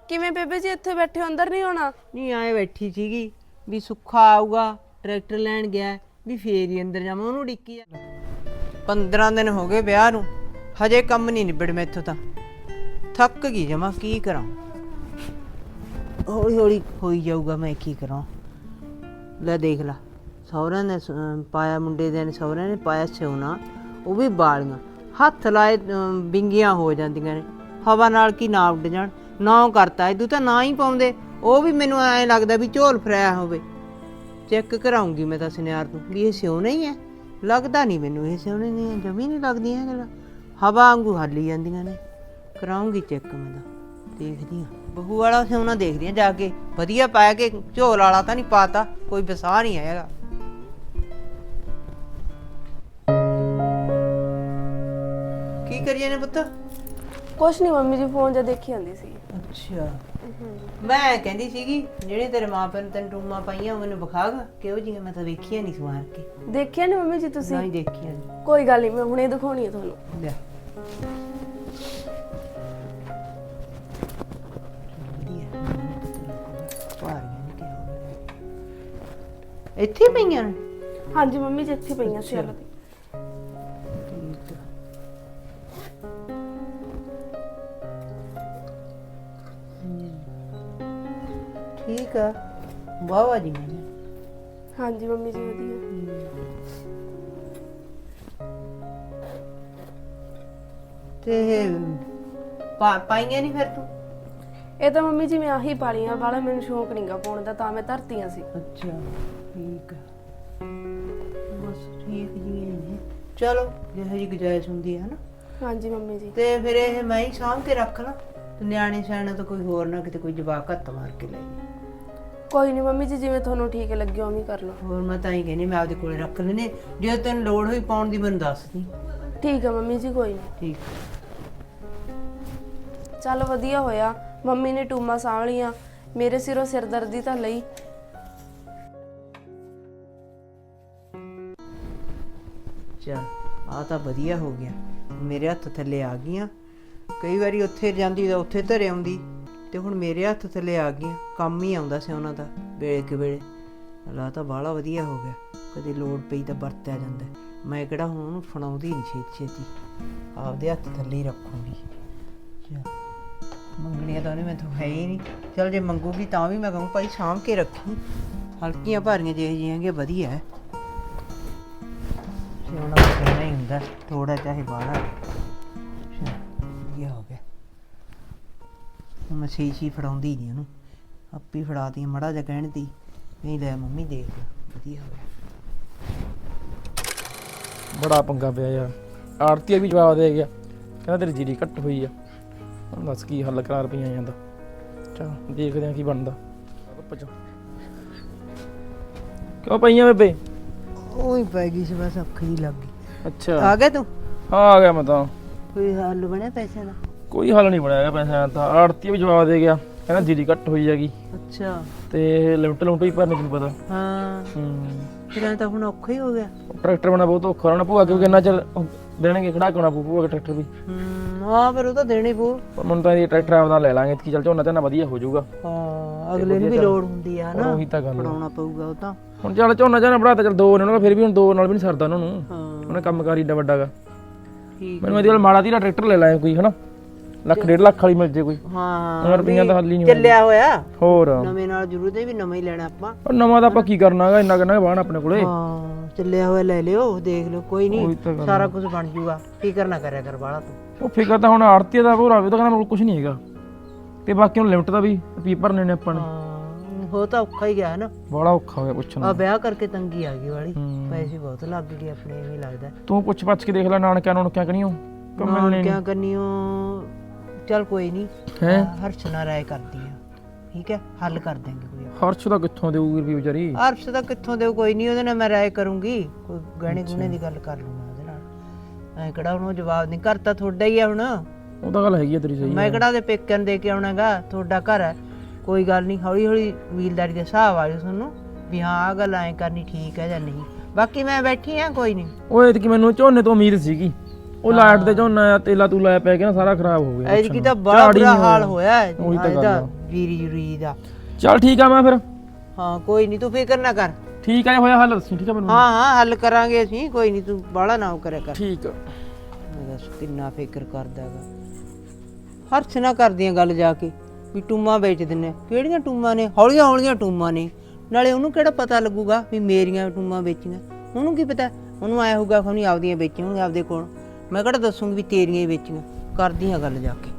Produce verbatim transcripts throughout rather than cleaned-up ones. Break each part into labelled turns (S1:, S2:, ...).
S1: ਕਿਵੇਂ ਬੇਬੇ ਜੀ ਇੱਥੇ ਬੈਠੇ ਹੋ, ਅੰਦਰ ਨਹੀਂ ਹੋਣਾ?
S2: ਨਹੀਂ ਆਏ ਬੈਠੀ ਸੀਗੀ ਵੀ ਸੁੱਖਾ ਆਊਗਾ ਟਰੈਕਟਰ ਲੈਣ ਗਿਆ ਵੀ ਫੇਰ ਹੀ ਅੰਦਰ ਜਾਵਾਂ, ਉਹਨੂੰ ਡਿੱਕੀ ਆ। ਪੰਦਰਾਂ ਦਿਨ ਹੋ ਗਏ ਵਿਆਹ ਨੂੰ, ਹਜੇ ਕੰਮ ਨਹੀਂ ਨਿਬੜ ਮੈਥੋਂ ਤਾਂ। ਥੱਕ ਗਈ ਜਮਾ, ਕੀ ਕਰਾਂ। ਹੌਲੀ ਹੌਲੀ ਹੋਈ ਜਾਊਗਾ, ਮੈਂ ਕੀ ਕਰਾਂ। ਲੈ ਦੇਖ ਲਾ, ਸਹੁਰਿਆਂ ਨੇ ਸ- ਪਾਇਆ, ਮੁੰਡੇ ਦੇ ਨੇ ਸਹੁਰਿਆਂ ਨੇ ਪਾਇਆ ਸਿਉਣਾ, ਉਹ ਵੀ ਬਾਲੀਆਂ ਹੱਥ ਲਾਏ ਬਿੰਗੀਆਂ ਹੋ ਜਾਂਦੀਆਂ ਨੇ, ਹਵਾ ਨਾਲ ਕੀ ਨਾ ਉੱਡ ਜਾਣ। ਨਾ ਕਰਤਾ ਇਦੂ ਤਾਂ ਨਾ ਹੀ ਪਾਉਂਦੇ, ਉਹ ਵੀ ਮੈਨੂੰ ਐਂ ਲੱਗਦਾ ਵੀ ਝੋਲ ਫਰਾਇਆ ਹੋਵੇ। ਚੈੱਕ ਕਰਾਉਂਗੀ ਮੈਂ ਤਾਂ ਸੁਨਿਆਰ ਤੋਂ ਵੀ ਇਹ ਸਿਉਣਾ ਹੀ ਹੈ। ਲੱਗਦਾ ਨਹੀਂ ਮੈਨੂੰ ਇਹ ਸਿਉਣੇ ਨਹੀਂ, ਜਮੀ ਨਹੀਂ ਲੱਗਦੀਆਂ ਗੱਲਾਂ, ਹਵਾ ਵਾਂਗੂ ਹਾਲੀ ਜਾਂਦੀਆਂ ਨੇ। ਕਰਾਉਂਗੀ ਚੈੱਕ ਮੈਂ ਤਾਂ, ਦੇਖਦੀ ਹਾਂ ਬਹੂ ਵਾਲਾ ਸਿਉਣਾ ਦੇਖਦੀ ਹਾਂ ਜਾ ਕੇ, ਵਧੀਆ ਪਾਇਆ ਕਿ ਝੋਲ ਵਾਲਾ ਤਾਂ ਨਹੀਂ ਪਾਤਾ, ਕੋਈ ਵਸਾ ਨਹੀਂ ਹੈਗਾ। ਕੀ ਕਰੀਏ ਨੇ ਪੁੱਤ?
S1: ਕੁਛ ਨਹੀਂ ਮੰਮੀ ਜੀ, ਫੋਨ ਜਾਂ ਦੇਖੀ ਜਾਂਦੀ ਸੀ।
S2: ਅੱਛਾ, ਮੈਂ ਕਹਿੰਦੀ ਸੀਗੀ ਜਿਹੜੇ ਤੇਰੇ ਮਾਂ ਪਿਓ ਨੇ ਤੈਨੂੰ ਟੂਮਾਂ ਪਾਈਆਂ ਉਹ ਮੈਨੂੰ ਵਿਖਾਗਾ ਕਿਹੋ ਜਿਹੀਆਂ, ਮੈਂ ਤਾਂ ਵੇਖੀਆਂ ਨਹੀਂ ਸਵਾਰ ਕੇ।
S1: ਦੇਖਿਆ ਨਹੀਂ ਮੰਮੀ ਜੀ ਤੁਸੀਂ?
S2: ਨਹੀਂ ਦੇਖੀਆਂ ਨਹੀਂ।
S1: ਕੋਈ ਗੱਲ ਨਹੀਂ, ਮੈਂ ਹੁਣੇ ਦਿਖਾਉਣੀ ਹੈ ਤੁਹਾਨੂੰ।
S2: ਲੈ ਇੱਥੇ ਪਈਆਂ ਨੇ?
S1: ਹਾਂਜੀ ਮੰਮੀ ਜੀ, ਇੱਥੇ ਪਈਆਂ ਸੀ। ਚਲੋ
S2: ਠੀਕ ਆ। ਠੀਕ ਆ, ਵਾਵਾ ਜੀ ਮੈਂ।
S1: ਹਾਂਜੀ ਮੰਮੀ ਜੀ, ਵਧੀਆ।
S2: ਤੇ ਪਾ ਪਾਈਆਂ ਨਹੀਂ ਫਿਰ ਤੂੰ?
S1: ਇਹ ਤਾਂ ਮੰਮੀ ਜੀ ਮੈਂ ਆਹੀ ਪਾਲੀਆਂ, ਵਾਲਾ ਮੈਨੂੰ ਸ਼ੌਂਕ ਨਹੀਂਗਾ ਪਾਉਣ ਦਾ, ਤਾਂ ਮੈਂ ਧਰਤੀਆਂ ਸੀ।
S2: ਅੱਛਾ ਠੀਕ ਆ, ਬਸ ਠੀਕ ਜੀ ਹੈ। ਚਲੋ ਜਿਹੋ ਜਿਹੀ ਗੁਜਾਇਸ਼ ਹੁੰਦੀ ਹੈ ਨਾ।
S1: ਹਾਂਜੀ ਮੰਮੀ ਜੀ।
S2: ਤੇ ਫਿਰ ਇਹ ਮੈਂ ਹੀ ਸਾਂਭ ਕੇ ਰੱਖ ਲਾਂ, ਤੇ ਨਿਆਣੇ ਸਿਆਣੇ ਤਾਂ ਕੋਈ ਹੋਰ ਨਾ ਕਿਤੇ ਕੋਈ ਜਵਾਕ ਹੱਥ ਮਾਰ ਕੇ ਲੈ ਜਾਏ।
S1: ਕੋਈ ਨਹੀਂ ਮੰਮੀ ਜੀ, ਜਿਵੇਂ ਤੁਹਾਨੂੰ ਠੀਕ ਲੱਗੇ ਉਵੇਂ ਹੀ ਕਰ ਲਓ।
S2: ਹੋਰ ਮੈਂ ਤਾਂ ਹੀ ਕਹਿੰਦੀ ਮੈਂ ਆਪਦੇ ਕੋਲੇ ਰੱਖ ਲੈਣੇ, ਜੇ ਤੈਨੂੰ ਲੋੜ ਹੋਈ ਪਾਉਣ ਦੀ ਮੈਨੂੰ ਦੱਸ ਦੀ।
S1: ਠੀਕ ਆ ਮੰਮੀ ਜੀ, ਕੋਈ ਨਹੀਂ।
S2: ਠੀਕ।
S1: ਚੱਲ ਵਧੀਆ ਹੋਇਆ ਮੰਮੀ ਨੇ ਟੂਮਾ ਸਾਂਭ ਲੀਆਂ, ਮੇਰੇ ਸਿਰੋਂ ਸਿਰਦਰਦੀ ਤਾਂ ਲਈ।
S2: ਚੱਲ ਆ ਤਾਂ ਵਧੀਆ ਹੋ ਗਿਆ, ਮੇਰੇ ਹੱਥ ਥੱਲੇ ਆ ਗਈਆਂ। ਕਈ ਵਾਰੀ ਉੱਥੇ ਜਾਂਦੀ ਤਾਂ ਉੱਥੇ ਧਰੇ ਆਉਂਦੀ, ਤੇ ਹੁਣ ਮੇਰੇ ਹੱਥ ਥੱਲੇ ਆ ਗਈਆਂ, ਕੰਮ ਹੀ ਆਉਂਦਾ ਸੀ ਉਹਨਾਂ ਦਾ ਵੇਲੇ ਕਿ ਵੇਲੇ। ਲਾ ਤਾਂ ਬਾਹਲਾ ਵਧੀਆ ਹੋ ਗਿਆ, ਕਦੇ ਲੋੜ ਪਈ ਤਾਂ ਵਰਤਿਆ ਜਾਂਦਾ। ਮੈਂ ਕਿਹੜਾ ਹੁਣ ਉਹਨੂੰ ਫੜਾਉਂਦੀ ਨਹੀਂ ਛੇਤੀ ਛੇਤੀ, ਆਪਦੇ ਹੱਥ ਥੱਲੇ ਹੀ ਰੱਖੂੰਗੀ। ਚੱਲ ਮੰਗਣੀਆਂ ਤਾਂ ਉਹਨੇ ਮੈਥੋਂ ਹੈ ਹੀ ਨਹੀਂ। ਚੱਲ ਜੇ ਮੰਗੂਗੀ ਤਾਂ ਵੀ ਮੈਂ ਕਹੂੰ ਭਾਈ ਸਾਂਭ ਕੇ ਰੱਖੀ, ਹਲਕੀਆਂ ਭਾਰੀਆਂ ਜਿਹੇ ਜਿਹੀਆਂ ਹੈਗੀਆਂ ਵਧੀਆ ਹੈ। ਸਿਉਣਾ ਤਾਂ ਕਹਿਣਾ ਹੀ ਹੁੰਦਾ, ਥੋੜਾ ਚਾਹੇ ਬਾਹਲਾ। ਵਧੀਆ ਹੋ ਗਿਆ, ਮੈਂ ਸਹੀ ਸੀ ਫੜਾਉਂਦੀ ਨਹੀਂ ਉਹਨੂੰ, ਆਪੇ ਫੜਾਤੀ ਮੜਾ ਜਿਹਾ ਕਹਿਣ ਦੀ। ਨਹੀਂ ਲੈ ਮੰਮੀ ਦੇਖ ਲੈ, ਵਧੀਆ ਹੋ ਗਿਆ।
S3: ਬੜਾ ਪੰਗਾ ਪਿਆ ਯਾਰ, ਆੜਤੀਆ ਵੀ ਜਵਾਬ ਦੇ ਗਿਆ, ਕਹਿੰਦਾ ਤੇਰੀ ਜੀਰੀ ਘੱਟ ਹੋਈ ਆ। ਹੁਣ ਦੱਸ ਕੀ ਹੱਲ ਕਰਾ ਰੁਪਈਆ ਜਾਂਦਾ। ਚਲ ਦੇਖਦੇ ਆ ਕੀ ਬਣਦਾ। ਕਿਉਂ ਪਈਆਂ ਬੇਬੇ?
S2: ਉਹੀ ਪੈ ਗਈ ਸੀ ਬਸ, ਅੱਖ ਹੀ ਲੱਗ ਗਈ।
S3: ਅੱਛਾ
S2: ਆ ਗਿਆ ਤੂੰ?
S3: ਹਾਂ ਆ ਗਿਆ ਮੈਂ ਤਾਂ।
S2: ਕੋਈ ਹੱਲ ਬਣਿਆ ਪੈਸਿਆਂ ਦਾ?
S3: ਕੋਈ ਹੱਲ ਨਹੀਂ ਬਣਿਆ ਪੈਸਿਆਂ ਦਾ, ਆੜਤੀਆ ਵੀ ਜਵਾਬ ਦੇ ਗਿਆ, ਕਹਿੰਦਾ ਜੀਰੀ ਘੱਟ ਹੋਈ ਹੈਗੀ
S2: ਅੱਛਾ,
S3: ਤੇ ਲਿਮਟ ਲੁਮਟ ਵੀ ਭਰਨੀ ਤੈਨੂੰ ਪਤਾ।
S2: ਹਾਂ
S3: ਹੂੰ
S2: ਫਿਰ ਐਂ ਤਾਂ ਹੁਣ ਔਖਾ ਹੀ ਹੋ ਗਿਆ।
S3: ਟਰੈਕਟਰ ਬਣਾ ਬਹੁਤ ਔਖਾ ਹੋਣਾ ਭੂਆ, ਕਿਉਂਕਿ ਇੰਨਾ ਚਿਰ ਦੇਣਗੇ ਖੜਾ ਕੇ ਆਉਣਾ ਪਊ ਭੂਆ ਟਰੈਕਟਰ ਵੀ।
S2: ਹੂੰ ਹਾਂ ਫਿਰ ਉਹ ਤਾਂ ਦੇਣੀ ਪਊ।
S3: ਪਰ ਮੈਨੂੰ ਤਾਂ ਇਹ ਟਰੈਕਟਰ ਆਪਦਾ ਲੈ ਲਾਂਗੇ ਕਿ ਚੱਲ ਝੋਨਾ ਝੋਨਾ ਵਧੀਆ ਹੋ ਜਾਊਗਾ।
S2: ਹਾਂ ਅਗਲੇ ਨੂੰ ਵੀ ਲੋੜ ਹੁੰਦੀ ਆ ਨਾ,
S3: ਉਹੀ ਤਾਂ ਗੱਲ
S2: ਪੜਾਉਣਾ ਪਊਗਾ ਉਹ ਤਾਂ।
S3: ਹੁਣ ਚੱਲ ਝੋਨਾ ਝੋਨਾ ਬਣਾਤਾ, ਚੱਲ ਦੋ ਨੇ ਉਹਨਾਂ ਦਾ, ਫਿਰ ਵੀ ਹੁਣ ਦੋ ਨਾਲ ਵੀ ਨਹੀਂ ਸਰਦਾ ਉਹਨਾਂ ਨੂੰ।
S2: ਹਾਂ
S3: ਉਹਨੇ ਕੰਮ ਕਾਰ ਏਡਾ ਵੱਡਾ ਗਾ।
S2: ਠੀਕ
S3: ਮੈਨੂੰ ਇਹਦੇ ਨਾਲ ਮਾੜਾ ਧੀਰਾ ਟਰੈਕਟਰ ਲੈ ਲਾਂਗੇ ਕੋਈ, ਹਨਾ ਲੱਖ ਡੇਢ ਲੱਖ ਵਾਲੀ ਮਿਲ ਜੇ ਕੋਈ।
S2: ਹਾਂ
S3: ਉਹਨਾਂ ਰੁਪਈਆਂ ਦਾ ਹੱਲ ਹੀ ਨਹੀਂ
S2: ਚੱਲਿਆ ਹੋਇਆ।
S3: ਹੋਰ
S2: ਨਵੇਂ ਨਾਲ ਜ਼ਰੂਰਤ ਹੈ ਵੀ ਨਵਾਂ ਹੀ ਲੈਣਾ ਆਪਾਂ।
S3: ਪਰ ਨਵਾਂ ਤਾਂ ਆਪਾਂ ਕੀ ਕਰਨਾ ਹੈਗਾ, ਇੰਨਾ ਕਿੰਨਾ ਬਾਣ ਆਪਣੇ ਕੋਲੇ।
S2: ਹਾਂ ਚੱਲਿਆ ਹੋਇਆ ਲੈ ਲਿਓ, ਦੇਖ ਲਿਓ, ਕੋਈ
S3: ਉਹੀ ਤਾਂ
S2: ਨਹੀਂ
S3: ਗੱਲ
S2: ਸਾਰਾ ਕੁਝ ਬਣ ਜੂਗਾ, ਫਿਕਰ ਨਾ ਕਰਿਆ ਕਰ ਬਾਹਲਾ ਤੂੰ।
S3: ਉਹ ਫਿਕਰ ਤਾਂ ਹੁਣ ਆੜਤੀ ਦਾ ਭੋਰਾ ਵੀ ਤਾਂ ਕਹਿੰਦਾ ਮੇਰੇ ਕੋਲ ਕੁਝ ਨਹੀਂ ਹੈਗਾ, ਤੇ ਬਾਕੀ ਹੁਣ ਲਿਮਟ ਦਾ ਵੀ ਰੁਪਈਏ ਭਰਨੇ ਨੇ ਆਪਾਂ ਨੇ।
S2: ਹਾਂ ਹੋ ਤਾਂ ਔਖਾ ਹੀ ਗਿਆ ਨਾ,
S3: ਬੜਾ ਔਖਾ ਹੋ ਗਿਆ ਪੁੱਛਣਾ।
S2: ਆ ਵਿਆਹ ਕਰਕੇ ਤੰਗੀ ਆ ਗਈ ਵਾਲੀ,
S3: ਹੂੰ।
S2: ਪੈਸੇ ਬਹੁਤ ਲੱਗ ਗਏ ਆਪਣੇ, ਐਵੇਂ ਲੱਗਦਾ।
S3: ਤੂੰ ਪੁੱਛ ਪੱਛ ਕੇ ਦੇਖ ਲੈ ਨਾਨਕਿਆਂ ਨੂੰ ਕਿਆ ਕਰੀਓ,
S2: ਹੁਣ ਕਿਆ ਕਰਨੀਓ। ਚੱਲ ਕੋਈ ਨਹੀਂ,
S3: ਹੈ
S2: ਹਰਸ਼ ਨਾਲ ਰਾਏ ਕਰਦੀ ਆ, ਠੀਕ ਹੈ ਹੱਲ ਕਰ ਦੇਂਗੇ ਕੋਈ।
S3: ਹਰਸ਼ ਦਾ ਕਿੱਥੋਂ ਦੇਊਗੀ ਰੁਪਈਏ ਵਿਚਾਰੀ?
S2: ਹਰਸ਼ ਦਾ ਕਿੱਥੋਂ ਦੇਊ, ਕੋਈ ਨਹੀਂ ਉਹਦੇ ਨਾਲ ਮੈਂ ਰਾਏ ਕਰੂੰਗੀ, ਕੋਈ ਗਹਿਣੇ ਗੁਣੇ ਦੀ ਗੱਲ ਕਰ ਲੂੰਗਾ ਉਹਦੇ ਨਾਲ। ਐ ਕਿਹੜਾ ਉਹਨੂੰ ਜਵਾਬ ਨਹੀਂ ਕਰਤਾ, ਤੁਹਾਡਾ ਹੀ ਆ ਹੁਣ।
S3: ਉਹ ਤਾਂ ਗੱਲ ਹੈਗੀ ਆ ਤੇਰੀ ਸਹੀ।
S2: ਮੈਂ ਕਿਹੜਾ ਦੇ ਪੇਕਿਆਂ ਨੂੰ ਦੇ ਕੇ ਆਉਣਾਗਾ, ਤੁਹਾਡਾ ਘਰ ਹੈ। ਕੋਈ ਗੱਲ ਨਹੀਂ, ਹੌਲੀ ਹੌਲੀ ਵੀਲਦਾਰੀ ਦੇ ਹਿਸਾਬ ਆ ਜਾਊ ਤੁਹਾਨੂੰ ਵੀ ਹਾਂ ਆਹ ਗੱਲ ਐਂ ਕਰਨੀ ਠੀਕ ਹੈ ਜਾਂ ਨਹੀਂ। ਬਾਕੀ ਮੈਂ ਬੈਠੀ ਆ, ਕੋਈ ਨਹੀਂ।
S3: ਉਹ ਐਤਕੀ ਮੈਨੂੰ ਝੋਨੇ ਤੋਂ ਉਮੀਦ ਸੀਗੀ, ਉਹ ਲਾਈਟ ਦੇ ਝੋਨਾ ਆ ਤੇਲਾ ਤੂਲਾ ਜਿਹਾ ਪੈ ਗਿਆ ਨਾ ਸਾਰਾ ਖਰਾਬ ਹੋ ਗਿਆ
S2: ਐਤਕੀ ਤਾਂ ਬੜਾ
S3: ਝਾੜ ਹੀ
S2: ਬੁਰਾ
S3: ਨਹੀਂ
S2: ਹਾਲ
S3: ਹੋਇਆ।
S2: ਹੋਇਆ
S3: ਉਹੀ ਤਾਂ ਗੱਲ
S2: ਇਹਦਾ
S3: ਆ।
S2: ਜੀਰੀ ਜੁਰੀ ਦਾ।
S3: ਚੱਲ ਠੀਕ ਆ ਮੈਂ ਫਿਰ
S2: ਹਾਂ ਕੋਈ ਨਹੀਂ ਤੂੰ ਫਿਕਰ ਨਾ ਕਰ।
S3: ਠੀਕ ਆ ਜੇ ਹੋਇਆ ਹੱਲ ਦੱਸੀ ਠੀਕ ਆ ਮੈਨੂੰ
S2: ਹਾਂ ਹਾਂ ਹੱਲ ਕਰਾਂਗੇ ਅਸੀਂ ਕੋਈ ਨਹੀਂ ਤੂੰ ਬਾਹਲਾ ਨਾ ਉਹ ਕਰਿਆ ਕਰ।
S3: ਠੀਕ ਆ
S2: ਮੈਂ ਦੱਸ ਕਿੰਨਾ ਫਿਕਰ ਕਰਦਾਗਾ। ਹਰਸ਼ ਨਾ ਕਰਦੀਆਂ ਗੱਲ ਜਾ ਕੇ ਵੀ ਟੂਮਾਂ ਵੇਚ ਦਿੰਨੇ ਆ। ਕਿਹੜੀਆਂ ਟੂਮਾਂ ਨੇ? ਹੌਲੀਆਂ ਹੌਲੀਆਂ ਟੂਮਾਂ ਨੇ। ਨਾਲੇ ਉਹਨੂੰ ਕਿਹੜਾ ਪਤਾ ਲੱਗੂਗਾ ਵੀ ਮੇਰੀਆਂ ਟੂਮਾਂ ਵੇਚੀਆਂ? ਉਹਨੂੰ ਕੀ ਪਤਾ? ਉਹਨੂੰ ਆਇਆ ਹੋਊਗਾ ਖੋਣੀ ਆਪਦੀਆਂ ਵੇਚੀਆਂ ਹੋਣਗੀਆਂ ਆਪਦੇ ਕੋਲ। ਮੈਂ ਕਿਹੜਾ ਦੱਸੂਗੀ ਵੀ ਤੇਰੀਆਂ ਹੀ ਵੇਚੀਆਂ। ਕਰਦੀਆਂ ਗੱਲ ਜਾ ਕੇ।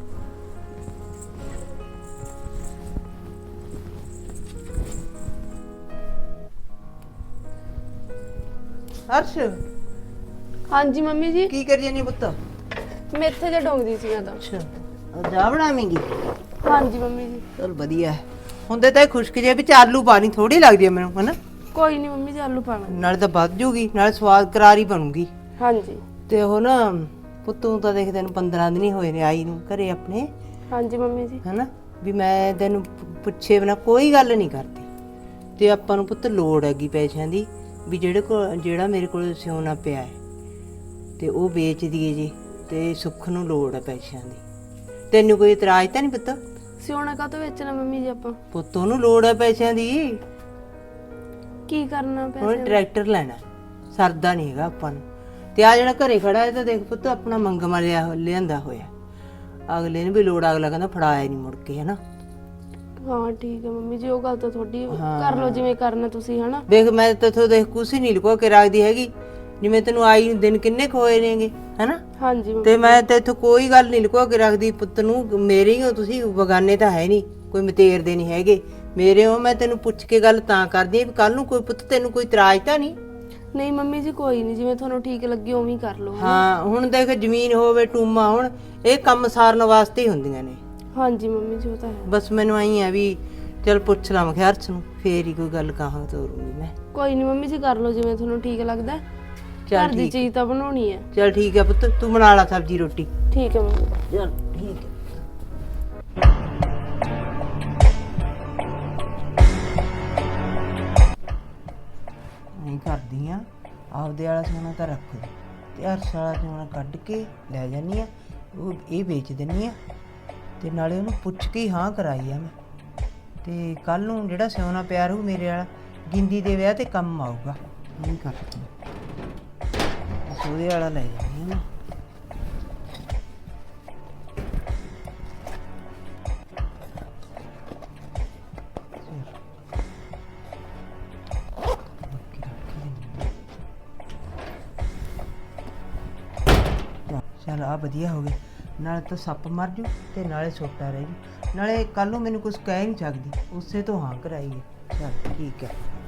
S2: ਹਰਸ਼
S1: ਹਾਂਜੀ ਮੰਮੀ ਜੀ,
S2: ਕੀ ਕਰੀ ਜਾਨੀ ਪੁੱਤ?
S1: ਮੇਥੇ ਜੇ ਡੋਂਗਦੀ ਸੀ ਮੈਂ ਤਾਂ।
S2: ਅੱਛਾ ਜਾ ਬਣਾਵੇਂਗੀ?
S1: ਹਾਂਜੀ ਮੰਮੀ ਜੀ।
S2: ਚਲ ਵਧੀਆ ਹੈ। ਹੁੰਦੇ ਤਾਂ ਇਹ ਖੁਸ਼ਕ ਜੇ ਵਿੱਚ ਆਲੂ ਪਾਣੀ ਥੋੜੀ ਲੱਗਦੀ ਹੈ ਮੈਨੂੰ ਹਨਾ।
S1: ਕੋਈ ਨਹੀਂ ਮੰਮੀ ਜੀ, ਆਲੂ ਪਾਣਾ।
S2: ਨਾਲੇ ਤਾਂ ਵੱਧ ਜੂਗੀ ਨਾਲੇ ਸਵਾਦ ਕਰਾਰੀ ਬਣੂਗੀ।
S1: ਹਾਂਜੀ
S2: ਤੇ ਉਹ ਨਾ ਪੁੱਤੋਂ ਤਾਂ ਦੇਖ ਤੈਨੂੰ ਪੰਦਰਾਂ ਦਿਨ ਹੀ ਹੋਏ ਨੇ ਆਈ ਨੂੰ ਘਰੇ ਆਪਣੇ
S1: ਹਾਂਜੀ ਮੰਮੀ ਜੀ।
S2: ਹਨਾ ਵੀ ਮੈਂ ਤੈਨੂੰ ਪੁ- ਪੁੱਛੇ ਬਿਨਾ ਕੋਈ ਗੱਲ ਨਹੀਂ ਕਰਦੀ। ਤੇ ਆਪਾਂ ਨੂੰ ਪੁੱਤ ਲੋੜ ਹੈਗੀ ਪੈਸਿਆਂ ਦੀ ਵੀ ਜਿਹੜੇ ਕੋਲ ਜਿਹੜਾ ਮੇਰੇ ਕੋਲ ਸਿਉਣਾ ਪਿਆ ਹੈ ਤੇ ਉਹ ਵੇਚ ਦਈਏ ਜੀ। ਤੇ ਸੁੱਖ ਨੂੰ ਲੋੜ ਹੈ ਪੈਸਿਆਂ ਦੀ। ਤੈਨੂੰ ਕੋਈ ਇਤਰਾਜ਼ ਤਾਂ ਨਹੀਂ ਪੁੱਤ?
S1: ਸਿਉਣਾ ਕਾਹਤੋਂ ਵੇਚਣਾ ਮੰਮੀ ਜੀ ਆਪਾਂ?
S2: ਪੁੱਤ ਨੂੰ ਲੋੜ ਹੈ ਪੈਸਿਆਂ ਦੀ।
S1: ਕੀ ਕਰਨਾ
S2: ਹੁਣ
S1: ਪੈਸੇ?
S2: ਟਰੈਕਟਰ ਲੈਣਾ ਸਰਦਾ ਨਹੀਂ ਹੈਗਾ ਆਪਾਂ ਨੂੰ। ਤੇ ਆ ਜਿਹੜਾ ਘਰੇ ਖੜਾ ਹੈ ਤਾਂ ਦੇਖ ਪੁੱਤ ਆਪਣਾ ਮੰਗਮਾ ਲਿਆ ਲਿਆਂਦਾ ਹੋਇਆ। ਅਗਲੇ ਨੂੰ ਵੀ ਲੋੜ ਅਗਲਾ ਕਹਿੰਦਾ ਫੜਾਇਆ ਨਹੀਂ ਮੁੜ ਕੇ ਹਨਾ।
S1: ਹਾਂ ਠੀਕ ਹੈ ਮੰਮੀ ਜੀ, ਉਹ ਗੱਲ ਤਾਂ ਤੁਹਾਡੀ।
S2: ਹਾਂ।
S1: ਕਰ ਲਓ ਜਿਵੇਂ ਕਰਨਾ ਤੁਸੀਂ ਹਨਾ।
S2: ਦੇਖ ਮੈਂ ਤੇਥੋਂ ਦੇਖ ਕੁਛ ਨਹੀਂ ਲੁਕੋ ਕੇ ਰੱਖਦੀ ਹੈਗੀ। ਜਿਵੇਂ ਤੈਨੂੰ ਆਈ ਨੂੰ ਦਿਨ ਕਿੰਨੇ ਕੁ ਹੋਏ ਨੇਗੇ ਹਨਾ।
S1: ਹਾਂਜੀ ਮੰਮੀ।
S2: ਤੇ ਮੈਂ ਤੇਥੋਂ ਕੋਈ ਗੱਲ ਨਹੀਂ ਲੁਕੋ ਕੇ ਰੱਖਦੀ। ਪੁੱਤ ਨੂੰ ਮੇਰੇ ਹੀ ਹੋ ਤੁਸੀਂ, ਬਗਾਨੇ ਤਾਂ ਹੈ ਨਹੀਂ, ਕੋਈ ਮਤੇਰ ਦੇ ਨਹੀਂ ਹੈਗੇ ਮੇਰੇ ਹੋ। ਮੈਂ ਤੈਨੂੰ ਪੁੱਛ ਕੇ ਗੱਲ ਤਾਂ ਕਰਦੀ ਆ ਵੀ ਕੱਲ ਨੂੰ ਕੋਈ ਪੁੱਤ ਤੈਨੂੰ ਕੋਈ ਇਤਰਾਜ਼ ਤਾਂ ਨਹੀਂ?
S1: ਨਹੀਂ ਮੰਮੀ ਜੀ ਕੋਈ ਨਹੀਂ, ਜਿਵੇਂ ਤੁਹਾਨੂੰ ਠੀਕ ਲੱਗੇ ਉਵੇਂ ਹੀ ਕਰ ਲਓ।
S2: ਹਾਂ ਹੁਣ ਦੇਖ ਜ਼ਮੀਨ ਹੋਵੇ ਟੂਮਾ ਹੁਣ ਇਹ ਕੰਮ ਸਾਰਨ ਵਾਸਤੇ ਹੀ ਹੁੰਦੀਆਂ ਨੇ।
S1: ਹਾਂਜੀ ਮੰਮੀ ਜੀ ਉਹ ਤਾਂ ਹੈ।
S2: ਬਸ ਮੈਨੂੰ ਆਈ ਆ ਵੀ ਚਲ ਪੁੱਛ ਲਾਂ ਮੈਂ ਹਰਸ਼ ਨੂੰ ਫੇਰ ਹੀ ਕੋਈ ਗੱਲ ਕਹਾਂ ਤੋਰੂੰਗੀ ਮੈਂ।
S1: ਕੋਈ ਨਹੀਂ ਮੰਮੀ ਜੀ, ਕਰ ਲਓ ਜਿਵੇਂ ਤੁਹਾਨੂੰ ਠੀਕ ਲੱਗਦਾ।
S2: ਚੱਲ
S1: ਘਰ ਦੀ
S2: ਠੀਕ
S1: ਚੀਜ਼ ਤਾਂ ਬਣਾਉਣੀ ਹੈ।
S2: ਚਲ ਠੀਕ ਹੈ ਪੁੱਤ ਤੂੰ ਬਣਾ ਲਾ ਸਬਜ਼ੀ ਰੋਟੀ।
S1: ਠੀਕ ਹੈ ਮੰਮੀ।
S2: ਚਲ ਠੀਕ ਹੈ। ਨਹੀਂ ਕਰਦੀ ਆ ਆਪਦੇ ਵਾਲਾ ਸੋਨਾ ਤਾਂ ਰੱਖ ਦੇ ਤੇ ਹਰਸ਼ ਵਾਲਾ ਸੋਨਾ ਕੱਢ ਕੇ ਲੈ ਜਾਨੀ ਆ। ਉਹ ਇਹ ਵੇਚ ਦਿੰਨੀ ਆ ਤੇ ਨਾਲੇ ਉਹਨੂੰ ਪੁੱਛ ਕੇ ਹੀ ਹਾਂ ਕਰਾਈ ਆ ਮੈਂ। ਤੇ ਕੱਲ ਨੂੰ ਜਿਹੜਾ ਸੋਨਾ ਪਿਆ ਰਹੂ ਮੇਰੇ ਵਾਲਾ ਗਿੰਦੀ ਦੇ ਵਿਆਹ ਤੇ ਕੰਮ ਆਊਗਾ। ਨਹੀਂ ਕਰਦੀ ਬਸ ਉਹਦੇ ਵਾਲਾ ਲੈ ਜਾਨੀ ਆ ਨਾ। ਚਲ ਆ ਵਧੀਆ ਹੋ ਗਿਆ। ਨਾਲੇ ਤਾਂ ਸੱਪ ਮਰ ਜੂ ਤੇ ਨਾਲੇ ਛੋਟਾ ਰਹਿ ਜੂ। ਨਾਲੇ ਕੱਲ ਨੂੰ ਮੈਨੂੰ ਕੁਝ ਕਹਿ ਨਹੀਂ ਸਕਦੀ ਉਸੇ ਤੋਂ ਹਾਂ ਕਰਾਈ ਹੈ। ਚਲ ਠੀਕ ਹੈ।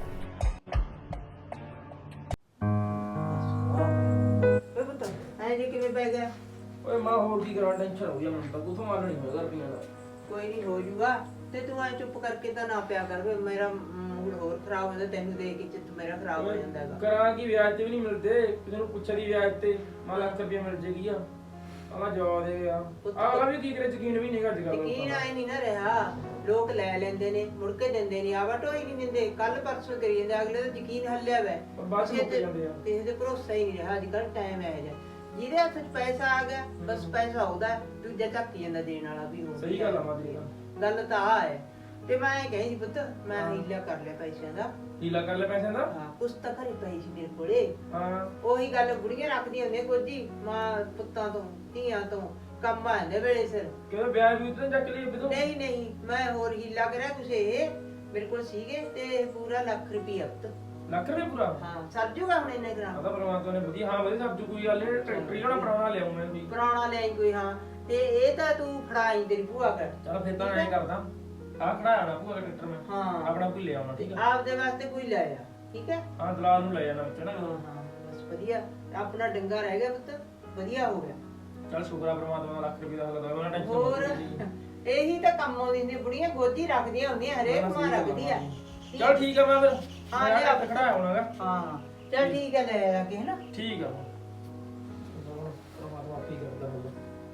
S2: ਓਏ ਪੁੱਤ ਐ ਜੇ ਕਿਵੇਂ ਪੈ ਗਿਆ?
S3: ਓਏ ਮਾਂ ਹੋਰ ਕੀ ਕਰਾਂ, ਟੈਨਸ਼ਨ ਹੋ ਗਈ ਮੈਨੂੰ ਤਾਂ। ਕੁਥੋਂ ਮਾਰਨਾ ਨਹੀਂ ਹੋਗਾ ਰੁਪਈਆ ਦਾ।
S2: ਕੋਈ ਨਹੀਂ ਹੋ ਜੂਗਾ। ਤੇ ਤੂੰ ਐ ਚੁੱਪ ਕਰਕੇ ਤਾਂ ਨਾ ਪਿਆ ਕਰ ਵੇ। ਮੇਰਾ ਮੂਡ ਹੋਰ ਖਰਾਬ ਹੋ ਜਾਂਦਾ ਤੈਨੂੰ ਦੇਖ ਕੇ, ਚਿੱਤ ਮੇਰਾ ਖਰਾਬ ਹੋ ਜਾਂਦਾ ਹੈਗਾ।
S3: ਕਰਾਂ ਕੀ, ਵਿਆਜ ਤੇ ਵੀ ਨਹੀਂ ਮਿਲਦੇ। ਕਿਸੇ ਨੂੰ ਪੁੱਛਿਆ ਦੀ ਵਿਆਜ ਤੇ ਮੈਂ ਲੱਖ ਰੁਪਈਆ ਮਿਲ ਜੇਗੀ ਆ। ਆਹ ਜਵਾਬ ਦੇ ਆ ਆਹ ਵੀ ਕੀ ਕਰੇ, ਯਕੀਨ ਵੀ ਨਹੀਂਗਾ ਅੱਜ ਕੱਲ੍ਹ।
S2: ਯਕੀਨ ਆਏ ਨਹੀਂ ਨਾ ਰਿਹਾ। ਲੋਕ ਲੈ ਲੈਂਦੇ ਨੇ ਮੁੜ ਕੇ ਦਿੰਦੇ ਨਹੀਂ। ਆਵਾ ਢੋਈ ਨਹੀਂ ਦਿੰਦੇ। ਕੱਲ ਪਰਸੋਂ ਕਰੀ ਜਾਂਦੇ ਅਗਲੇ ਦਾ ਯਕੀਨ ਹੱਲਿਆ ਵੈ।
S3: ਬਾਅਦ ਚ ਮੁੱਕ ਜਾਂਦੇ ਆ।
S2: ਕਿਸੇ ਤੇ ਭਰੋਸਾ ਹੀ ਨਹੀਂ ਰਿਹਾ ਅੱਜ ਕੱਲ੍ਹ। ਟਾਈਮ ਇਹੋ ਜਿਹਾ ਜਿਹਦੇ ਹੱਥ 'ਚ ਪੈਸਾ ਆ ਗਿਆ ਬਸ ਪੈਸਾ ਉਹਦਾ, ਦੂਜਾ ਝੱਕੀ ਜਾਂਦਾ ਦੇਣ ਵਾਲਾ ਵੀ ਹੋ।
S3: ਸਹੀ ਗੱਲ ਆ ਮਾਂ ਦੀ।
S2: ਗੱਲ ਤਾਂ ਆ ਹੈ। ਤੇ ਮੈਂ ਇਹ ਕਹੀ ਸੀ ਪੁੱਤ ਮੈਂ ਹੀਲਾ ਕਰ ਲਿਆ ਪੈਸਿਆਂ ਦਾ।
S3: ਹੀਲਾ ਕਰ ਲੈ ਪੈਸਿਆਂ ਦਾ?
S2: ਹਾਂ ਕੁਛ ਤਾਂ ਘਰੇ ਪਈ ਸੀ ਮੇਰੇ ਕੋਲੇ।
S3: ਹਾਂ
S2: ਉਹੀ ਗੱਲ ਬੁੜੀਆਂ ਰੱਖਦੀਆਂ ਹੁੰਦੀਆਂ ਕੋਜੀ ਮਾਂ ਪੁੱਤਾਂ ਤੋਂ ਧੀਆਂ ਤੋਂ ਕੰਮ ਆ ਜਾਂਦੇ ਵੇਲੇ ਸਿਰ।
S3: ਕਿਉਂ ਵਿਆਜ ਵੀ ਉਤਨੇ ਚੱਕ ਲਈ ਬਿਦੋਂ?
S2: ਨਹੀਂ ਨਹੀਂ ਮੈਂ ਹੋਰ ਹੀਲਾ ਕਰਿਆ ਕੁਛ ਇਹ ਮੇਰੇ ਕੋਲ ਸੀਗੇ ਤੇ ਪੂਰਾ ਲੱਖ ਰੁਪਈਆ ਪੁੱਤ।
S3: ਲੱਖ ਰੁਪਏ ਪੂਰਾ?
S2: ਹਾਂ ਸਰ ਜੂਗਾ ਹੁਣ ਇੰਨੇ ਗ੍ਰਾਮ।
S3: ਆਦਾ ਪਰਮਾਤਮਾ ਨੇ ਵਧੀਆ। ਹਾਂ ਵਧੀਆ ਸਭ ਕੋਈ ਗੱਲ ਨਹੀਂ। ਟਰੈਕਟਰ ਹੀ ਹੋਣਾ ਪੁਰਾਣਾ ਲਿਆਉਂ ਮੈਂ ਵੀ।
S2: ਪੁਰਾਣਾ ਲੈ ਆਈ ਕੋਈ। ਹਾਂ ਤੇ ਇਹ ਤਾਂ ਤੂੰ ਫੜਾਈ ਤੇਰੀ ਭੂਆ ਕਰ।
S3: ਚਲ ਫਿਰ ਤਾਂ ਐਂ ਕਰਦਾ ਆ ਖੜਾਇਆ ਨਾ ਭੂਆ ਦਾ ਟਰੈਕਟਰ ਮੈਂ।
S2: ਹਾਂ
S3: ਆਪਣਾ ਕੋਈ ਲੈ ਆਉਣਾ ਠੀਕ ਆ।
S2: ਆਪਦੇ ਵਾਸਤੇ ਕੋਈ ਲੈ ਆ ਠੀਕ ਹੈ।
S3: ਹਾਂ ਦਲਾਲ ਨੂੰ ਲੈ ਜਾਣਾ ਵਿੱਚ ਨਾ।
S2: ਹਾਂ ਹਾਂ ਬਸ ਵਧੀਆ ਆਪਣਾ ਡੰਗਾ ਰਹਿ ਗਿਆ ਪੁੱਤ। ਵਧੀਆ ਹੋ ਗਿਆ।
S3: ਚਲ ਸ਼ੁਕਰ ਆ ਪਰਮਾਤਮਾ ਦਾ ਲੱਖ ਰੁਪਏ ਦਾ ਹੱਲ ਦਾ। ਉਹਨਾਂ ਟੈਨਸ਼ਨ
S2: ਹੋਰ ਇਹੀ ਤਾਂ ਕੰਮ ਆਉਂਦੀ ਹੁੰਦੀ ਬੁੜੀਆਂ ਗੋਦੀ ਰੱਖਦੀਆਂ ਹੁੰਦੀਆਂ ਹਰੇਕ ਮਾਂ ਰੱਖਦੀ ਆ।
S3: ਚਲ ਠੀਕ ਆ ਮੈਂ ਫਿਰ
S2: ਹਾਂ,
S3: ਮੈਂ
S2: ਲਿਆ।
S3: ਹੱਥ ਖੜਾਇਆ ਹੋਣਾਗਾ।
S2: ਹਾਂ ਚਲ ਠੀਕ ਹੈ ਲੈ ਆ ਕੇ ਹੈਨਾ।
S3: ਠੀਕ ਆ ਪਰਮਾਤਮਾ ਆਪੀ ਕਰਦਾ ਹੋਊਗਾ।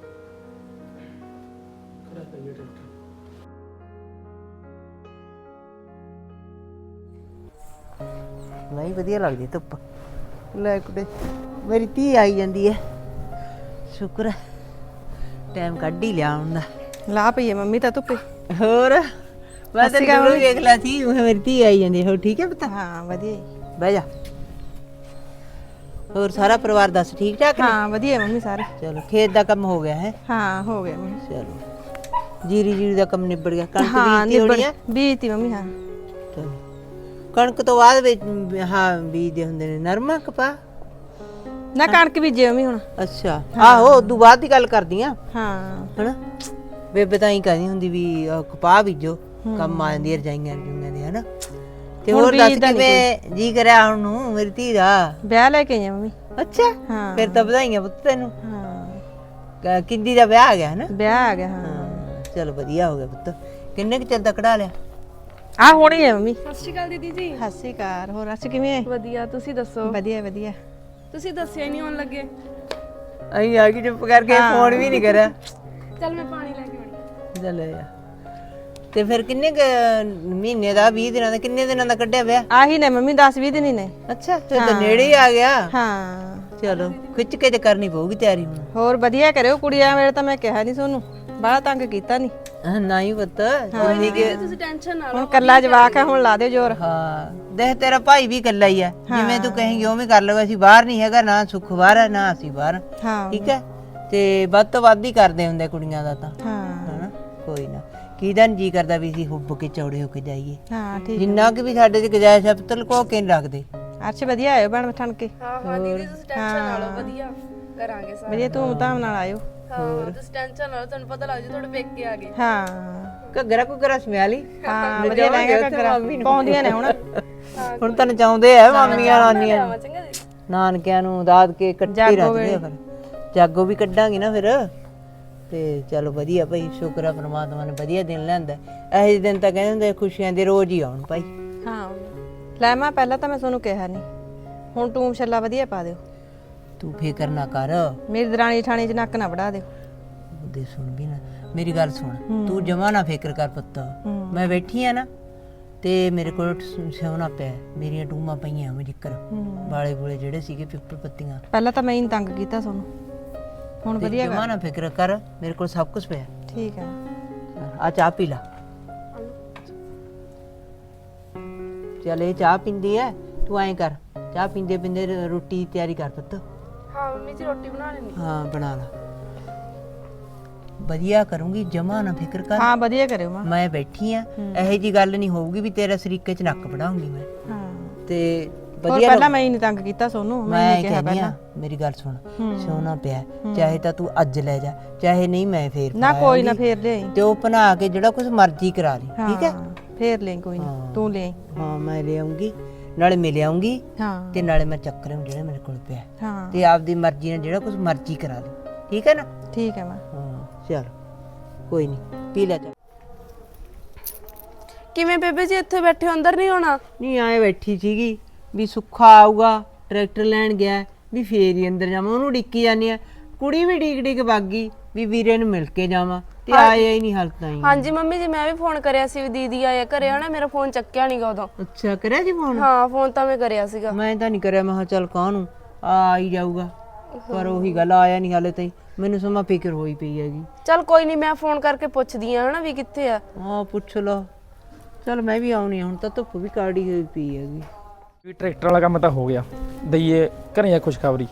S3: ਖੜਾ ਕਰੀਏ ਟਰੈਕਟਰ।
S2: ਨਹੀਂ ਵਧੀਆ ਲੱਗਦੀ ਧੁੱਪ। ਲੈ ਕੁੜੇ ਮੇਰੀ ਧੀ ਆਈ ਜਾਂਦੀ ਹੈ। ਸ਼ੁਕਰ ਹੈ ਟਾਈਮ ਕੱਢ ਹੀ ਲਿਆ ਹੁੰਦਾ।
S4: ਲਾ ਪਈਏ ਮੰਮੀ ਤਾਂ ਧੁੱਪੇ।
S2: ਹੋਰ ਮੈਂ ਤਾਂ ਜ਼ਰੂਰ ਵੇਖ ਲਿਆ ਸੀ ਉਹ ਮੇਰੀ ਧੀ ਆਈ ਜਾਂਦੀ। ਹੋਰ ਠੀਕ ਹੈ ਪੁੱਤ?
S4: ਹਾਂ ਵਧੀਆ ਜੀ।
S2: ਬਹਿ ਜਾ। ਹੋਰ ਸਾਰਾ ਪਰਿਵਾਰ ਦੱਸ ਠੀਕ ਠਾਕ ਨੇ?
S4: ਹਾਂ ਵਧੀਆ ਮੰਮੀ ਸਾਰੇ।
S2: ਚਲੋ ਖੇਤ ਦਾ ਕੰਮ ਹੋ ਗਿਆ ਹੈ?
S4: ਹਾਂ ਹੋ ਗਿਆ ਮੰਮੀ।
S2: ਚਲੋ ਜੀਰੀ ਜੀਰੀ ਦਾ ਕੰਮ ਨਿਬੜ ਗਿਆ। ਕਣਕ
S4: ਹਾਂ
S2: ਬੀਜਤੀ ਹੋਣੀ ਆ?
S4: ਬੀਜਤੀ ਮੰਮੀ। ਹਾਂ
S2: ਚਲੋ ਕਣਕ ਤੋਂ ਬਾਅਦ ਵਿੱਚ ਹਾਂ ਬੀਜਦੇ ਹੁੰਦੇ ਨੇ ਨਰਮਾ ਕਪਾਹ?
S4: ਨਾ ਕਣਕ ਬੀਜੇ ਮੰਮੀ ਹੁਣ।
S2: ਅੱਛਾ ਆਹੋ ਉਦੋਂ ਬਾਅਦ ਦੀ ਗੱਲ ਕਰਦੀ ਆ
S4: ਹਾਂ
S2: ਹਨਾ। ਬੇਬੇ ਤਾਂ ਹੀ ਕਹਿੰਦੀ ਹੁੰਦੀ ਵੀ ਆਹ ਕਪਾਹ ਬੀਜੋ ਕੰਮ ਆ ਜਾਂਦੀ ਰਜਾਈਆਂ ਰਜੂਈਆਂ ਦੇ ਹਨਾ। ਤੇ ਹੋਰ ਦੱਸ ਕਿਵੇਂ ਜੀ ਕਰਿਆ ਹੁਣ ਨੂੰ ਮੇਰੀ ਧੀ ਦਾ?
S4: ਵਿਆਹ ਲੈ ਕੇ ਆਈ ਆ ਮੰਮੀ।
S2: ਅੱਛਾ
S4: ਹਾਂ
S2: ਫਿਰ ਤਾਂ ਵਧਾਈਆਂ ਪੁੱਤ ਤੈਨੂੰ।
S4: ਹਾਂ
S2: ਕਿੰਦੀ ਦਾ ਵਿਆਹ ਆ ਗਿਆ ਹਨਾ?
S4: ਵਿਆਹ ਆ ਗਿਆ। ਹਾਂ
S2: ਹਾਂ ਚਲ ਵਧੀਆ ਹੋ ਗਿਆ ਪੁੱਤ। ਕਿੰਨੇ ਕੁ ਚਿਰ ਦਾ ਕਢਾ ਲਿਆ?
S4: ਆ ਹੋਣੀ ਹੈ ਮੰਮੀ।
S1: ਸਤਿ ਸ਼੍ਰੀ ਅਕਾਲ ਦੀਦੀ ਜੀ।
S4: ਸਤਿ ਸ਼੍ਰੀ ਅਕਾਲ। ਹੋਰ ਅੱਜ ਕਿਵੇਂ ਹੈ?
S1: ਵਧੀਆ, ਤੁਸੀਂ ਦੱਸੋ?
S4: ਵਧੀਆ ਵਧੀਆ।
S1: ਤੁਸੀਂ ਦੱਸਿਆ ਨਹੀਂ ਆਉਣ ਲੱਗੇ।
S2: ਅਹੀਂ ਆ ਕੇ ਚੁੱਪ ਕਰਕੇ ਫੋਨ ਵੀ ਨਹੀਂ ਕਰਿਆ।
S1: ਚੱਲ ਮੈਂ ਪਾਣੀ ਲੈ ਕੇ ਆਉਣੀ।
S2: ਚੱਲ ਆ। ਤੇ ਫਿਰ ਕਿੰਨੇ ਕੁ ਮਹੀਨੇ ਦਾ ਵੀਹ ਦਿਨਾਂ ਦਾ ਕਿੰਨੇ ਦਿਨਾਂ ਦਾ ਕੱਢਿਆ ਵਿਆਹ?
S4: ਆਹੀ ਨੇ ਮੰਮੀ ਦਸ ਵੀਹ ਦਿਨ ਹੀ ਨੇ।
S2: ਅੱਛਾ ਫਿਰ ਤਾਂ ਨੇੜੇ ਹੀ ਆ ਗਿਆ।
S4: ਹਾਂ
S2: ਚਲੋ ਖਿੱਚ ਕੇ ਤੇ ਕਰਨੀ ਪਊਗੀ ਤਿਆਰੀ ਹੁਣ।
S4: ਹੋਰ ਵਧੀਆ ਕਰਿਓ ਕੁੜੀਆਂ ਵੇਲੇ ਤਾਂ ਮੈਂ ਕਿਹਾ ਨਹੀਂ ਤੁਹਾਨੂੰ ਬੜਾ ਤੰਗ ਕੀਤਾ ਨਹੀਂ।
S2: ਨਹੀਂ ਪੁੱਤ
S1: ਤੁਸੀਂ ਟੈਨਸ਼ਨ ਨਾ
S4: ਹੁਣ ਕੱਲਾ ਜਵਾਕ ਹੈ ਹੁਣ ਲਾ ਦਿਓ ਜ਼ੋਰ।
S2: ਹਾਂ ਦੇਖ ਤੇਰਾ ਭਾਈ ਵੀ ਇਕੱਲਾ ਹੀ ਆ ਜਿਵੇਂ ਤੂੰ ਕਹੇਂਗੀ ਉਵੇਂ ਕਰ ਲਓ। ਅਸੀਂ ਬਾਹਰ ਨਹੀਂ ਹੈਗਾ ਨਾ ਸੁੱਖ ਬਾਹਰ ਹੈ ਨਾ ਅਸੀਂ ਬਾਹਰ।
S4: ਹਾਂ
S2: ਠੀਕ ਹੈ ਤੇ ਵੱਧ ਤੋਂ ਵੱਧ ਹੀ ਕਰਦੇ ਹੁੰਦੇ ਕੁੜੀਆਂ ਦਾ ਤਾਂ
S4: ਹਾਂ
S2: ਹਨਾ। ਕੋਈ ਨਾ ਕਿਹਦਾ ਨੀ ਜੀ ਕਰਦਾ ਵੀ ਅਸੀਂ ਹੁੱਬ ਕੇ ਚੌੜੇ ਹੋ ਕੇ ਜਾਈਏ।
S4: ਹਾਂ ਠੀਕ।
S2: ਜਿੰਨਾ ਕਿ ਵੀ ਸਾਡੇ ਚ ਗੁਜਾਇਸ਼ ਹੈ ਪੁੱਤ ਲੁਕੋ ਕੇ ਨੀ ਰੱਖਦੇ।
S4: ਅੱਛਾ ਵਧੀਆ ਆਇਓ ਭੈਣ ਠਣ ਕੇ।
S1: ਹਾਂ ਹਾਂ ਦੀਦੀ ਤੁਸੀਂ ਟੈਨਸ਼ਨ ਨਾ ਲਓ, ਵਧੀਆ ਕਰਾਂਗੇ ਸਾਰਾ।
S4: ਵਧੀਆ ਧੂਮ ਧਾਮ ਨਾਲ ਆਇਓ।
S1: ਹਾਂ ਤੁਸੀਂ ਟੈਨਸ਼ਨ ਨਾ ਲਓ, ਤੁਹਾਨੂੰ ਪਤਾ ਲੱਗ ਜੂ ਤੁਹਾਡੇ ਪੇਕੇ ਆ ਗਏ।
S4: ਹਾਂ
S2: ਘੱਗਰਾ ਘੁੱਗਰਾ ਸਮਿਆ ਲਈ।
S4: ਹਾਂ ਵਧੀਆ ਲਹਿੰਗਾ ਘੱਗਰਾ ਪਾਉਂਦੀਆਂ ਨੇ ਹੁਣ।
S2: ਹੁਣ ਤਾਂ ਨਚਾਉਂਦੇ ਆ ਮਾਮੀਆਂ ਨਾਨੀਆਂ
S1: ਆਵਾਂ ਚੰਗਾ ਜੀ।
S2: ਨਾਨਕਿਆਂ ਨੂੰ ਦਾਦਕੇ ਇਕੱਠੇ ਰੱਖਦੇ ਆ। ਫਿਰ ਜਾਗੋ ਵੀ ਕੱਢਾਂਗੇ ਨਾ ਫਿਰ। ਤੇ ਚਲੋ ਵਧੀਆ ਭਾਈ ਸ਼ੁਕਰ ਆ ਪਰਮਾਤਮਾ ਨੇ ਵਧੀਆ ਦਿਨ ਲਿਆਂਦਾ। ਇਹੋ ਜਿਹੇ ਦਿਨ ਤਾਂ ਕਹਿੰਦੇ ਹੁੰਦੇ ਖੁਸ਼ੀਆਂ ਦੇ ਰੋਜ਼ ਹੀ ਆਉਣ ਭਾਈ।
S4: ਹਾਂ ਲੈ ਮੈਂ ਪਹਿਲਾਂ ਤਾਂ ਮੈਂ ਤੁਹਾਨੂੰ ਕਿਹਾ ਨਹੀਂ ਹੁਣ ਟੂਮ ਛੱਲਾ ਵਧੀਆ ਪਾ ਦਿਓ।
S2: ਤੂੰ ਫਿਕਰ ਨਾ ਕਰ।
S4: ਮੇਰੀ ਦਰਾਣੀ ਠਾਣੀ ਚ ਨੱਕ ਨਾ ਵੜਾ ਦਿਓ।
S2: ਉਹਦੇ ਸੁਣ ਵੀ ਨਾ ਮੇਰੀ ਗੱਲ ਸੁਣ ਤੂੰ ਜਮਾ ਨਾ ਫਿਕਰ ਕਰ ਪੁੱਤ। ਮੈਂ ਬੈਠੀ ਆ ਨਾ ਤੇ ਮੇਰੇ ਕੋਲ ਸੋਨਾ ਪਿਆ ਮੇਰੀਆਂ ਟੂਮਾਂ ਪਈਆਂ ਮੈਂ ਜ਼ਿਕਰ ਵਾਲੇ ਬੁਲੇ ਜਿਹੜੇ ਸੀਗੇ ਪਿੱਪਲ ਪੱਤੀਆਂ।
S4: ਪਹਿਲਾਂ ਤਾਂ ਮੈਂ ਹੀ ਤੰਗ ਕੀਤਾ ਤੁਹਾਨੂੰ ਹੁਣ ਵਧੀਆ
S2: ਜਮਾ ਨਾ ਫਿਕਰ ਕਰ ਮੇਰੇ ਕੋਲ ਸਭ ਕੁਝ ਪਿਆ।
S4: ਠੀਕ ਹੈ
S2: ਆ ਚਾਹ ਪੀ ਲਾ। ਚੱਲ ਇਹ ਚਾਹ ਪੀਂਦੀ ਐ ਤੂੰ ਐਂ ਕਰ ਚਾਹ ਪੀਂਦੇ ਪੀਂਦੇ ਰੋਟੀ ਦੀ ਤਿਆਰੀ ਕਰ ਪੁੱਤ।
S1: ਹਾਂ ਮੰਮੀ ਜੀ ਰੋਟੀ ਬਣਾ ਲੈਣੀ।
S2: ਹਾਂ ਬਣਾ ਲਾ ਵਧੀਆ ਕਰੂੰਗੀ ਜਮਾ ਨਾ ਫਿਕਰ ਕਰ।
S4: ਹਾਂ ਵਧੀਆ ਕਰਿਓ ਮਾਂ।
S2: ਮੈਂ ਬੈਠੀ ਆ ਇਹੋ ਜੀ ਗੱਲ ਨਹੀਂ ਹੋਊਗੀ ਵੀ ਤੇਰਾ ਸਰੀਕੇ ਚ ਨੱਕ ਵੜਾਉਂਗੀ ਮੈਂ।
S4: ਹਾਂ
S2: ਤੇ
S4: ਹੋਰ
S2: ਵਧੀਆ
S4: ਪਹਿਲਾਂ ਮੈਂ ਹੀ ਨਹੀਂ ਤੰਗ ਕੀਤਾ ਸੋਨੂੰ ਮੈਂ
S2: ਮੈਂ
S4: ਹੀ ਕਿਹਾ
S2: ਕਹਿੰਦੀ ਆ ਮੇਰੀ ਗੱਲ ਸੁਣ ਸੋਨਾ ਪਿਆ ਚਾਹੇ ਤਾਂ ਤੂੰ ਅੱਜ ਲੈ ਜਾ ਚਾਹੇ ਨਹੀਂ ਮੈਂ ਫੇਰ
S4: ਨਾ ਕੋਈ ਨਾ ਫੇਰ ਲਿਆਈ।
S2: ਤੇ ਉਹ ਬਣਾ ਕੇ ਜਿਹੜਾ ਕੁਝ ਮਰਜ਼ੀ ਕਰਾ ਲਈ ਠੀਕ ਹੈ।
S4: ਫੇਰ ਲੈ ਕੋਈ ਨਾ ਤੂੰ ਲੈ।
S2: ਹਾਂ ਮੈਂ ਲੈ ਆਉਂਗੀ ਨਾਲੇ ਮਿਲ ਆਉਂਗੀ
S4: ਹਾਂ
S2: ਤੇ ਨਾਲੇ ਮੈਂ ਚੱਕਰ ਜਿਹੜਾ ਮੇਰੇ ਕੋਲ ਪਿਆ
S4: ਹਾਂ
S2: ਤੇ ਆਪਦੀ ਮਰਜ਼ੀ ਨਾਲ ਜਿਹੜਾ ਕੁਝ ਮਰਜ਼ੀ ਕਰਾ ਲਈ ਠੀਕ ਹੈ ਨਾ।
S4: ਠੀਕ ਹੈ ਮਾਂ।
S2: ਹਾਂ ਚਲ ਕੋਈ ਨਹੀਂ ਪੀ ਲੈ ਜਾ।
S1: ਕਿਵੇਂ ਬੇਬੇ ਜੀ ਇੱਥੇ ਬੈਠੇ ਹੋ, ਅੰਦਰ ਨਹੀਂ ਹੋਣਾ?
S2: ਨਹੀਂ ਆਏ ਬੈਠੀ ਸੀਗੀ ਵੀ ਸੁੱਖਾ ਆਊਗਾ ਟਰੈਕਟਰ ਲੈਣ ਗਿਆ ਵੀ ਫੇਰ ਹੀ ਅੰਦਰ ਜਾਵਾਂ ਉਹਨੂੰ ਡਿੱਕੀ ਜਾਂਦੀ ਆ। ਕੁੜੀ ਵੀ ਡੀਕ ਡੀਕ ਵਗ ਗਈ ਵੀ ਵੀਰੇ ਨੂੰ ਮਿਲ ਕੇ ਜਾਵਾਂ ਤੇ ਆਇਆ ਹੀ ਨਹੀਂ ਹਾਲ ਤਾਈਂ।
S1: ਹਾਂਜੀ ਮੰਮੀ ਜੀ ਮੈਂ ਵੀ ਫੋਨ ਕਰਿਆ ਸੀ ਵੀ ਦੀਦੀ ਆਇਆ ਘਰੇ ਹਨਾ, ਮੇਰਾ ਫੋਨ ਚੱਕਿਆ ਨਹੀਂਗਾ ਉਦੋਂ।
S2: ਅੱਛਾ ਕਰਿਆ ਜੀ ਫੋਨ?
S1: ਹਾਂ ਫੋਨ ਤਾਂ ਮੈਂ ਕਰਿਆ ਸੀਗਾ।
S2: ਮੈਂ ਤਾਂ ਨਹੀਂ ਕਰਿਆ ਮੈਂ ਕਿਹਾ ਚੱਲ ਕਾਹਨੂੰ ਆ ਹੀ ਜਾਊਗਾ ਪਰ ਉਹੀ ਗੱਲ ਆਇਆ ਨਹੀਂ ਹਾਲੇ ਤਾਈਂ। ਮੈਨੂੰ ਸਮਾਂ ਫਿਕਰ ਹੋਈ ਪਈ ਹੈਗੀ।
S1: ਚੱਲ ਕੋਈ ਨਹੀਂ ਮੈਂ ਫੋਨ ਕਰਕੇ ਪੁੱਛਦੀ ਆ ਹਨਾ ਵੀ ਕਿੱਥੇ ਆ।
S2: ਹਾਂ ਪੁੱਛ ਲਓ। ਚੱਲ ਮੈਂ ਵੀ ਆਉਣੀ ਹੁਣ ਤਾਂ ਧੁੱਪ ਵੀ ਕਾੜੀ ਹੋਈ ਪਈ ਹੈਗੀ।
S3: ਵੀ ਟਰੈਕਟਰ ਵਾਲਾ ਕੰਮ ਤਾਂ ਹੋ ਗਿਆ ਦਈਏ ਘਰੇ ਆ ਖੁਸ਼ਖਬਰੀ।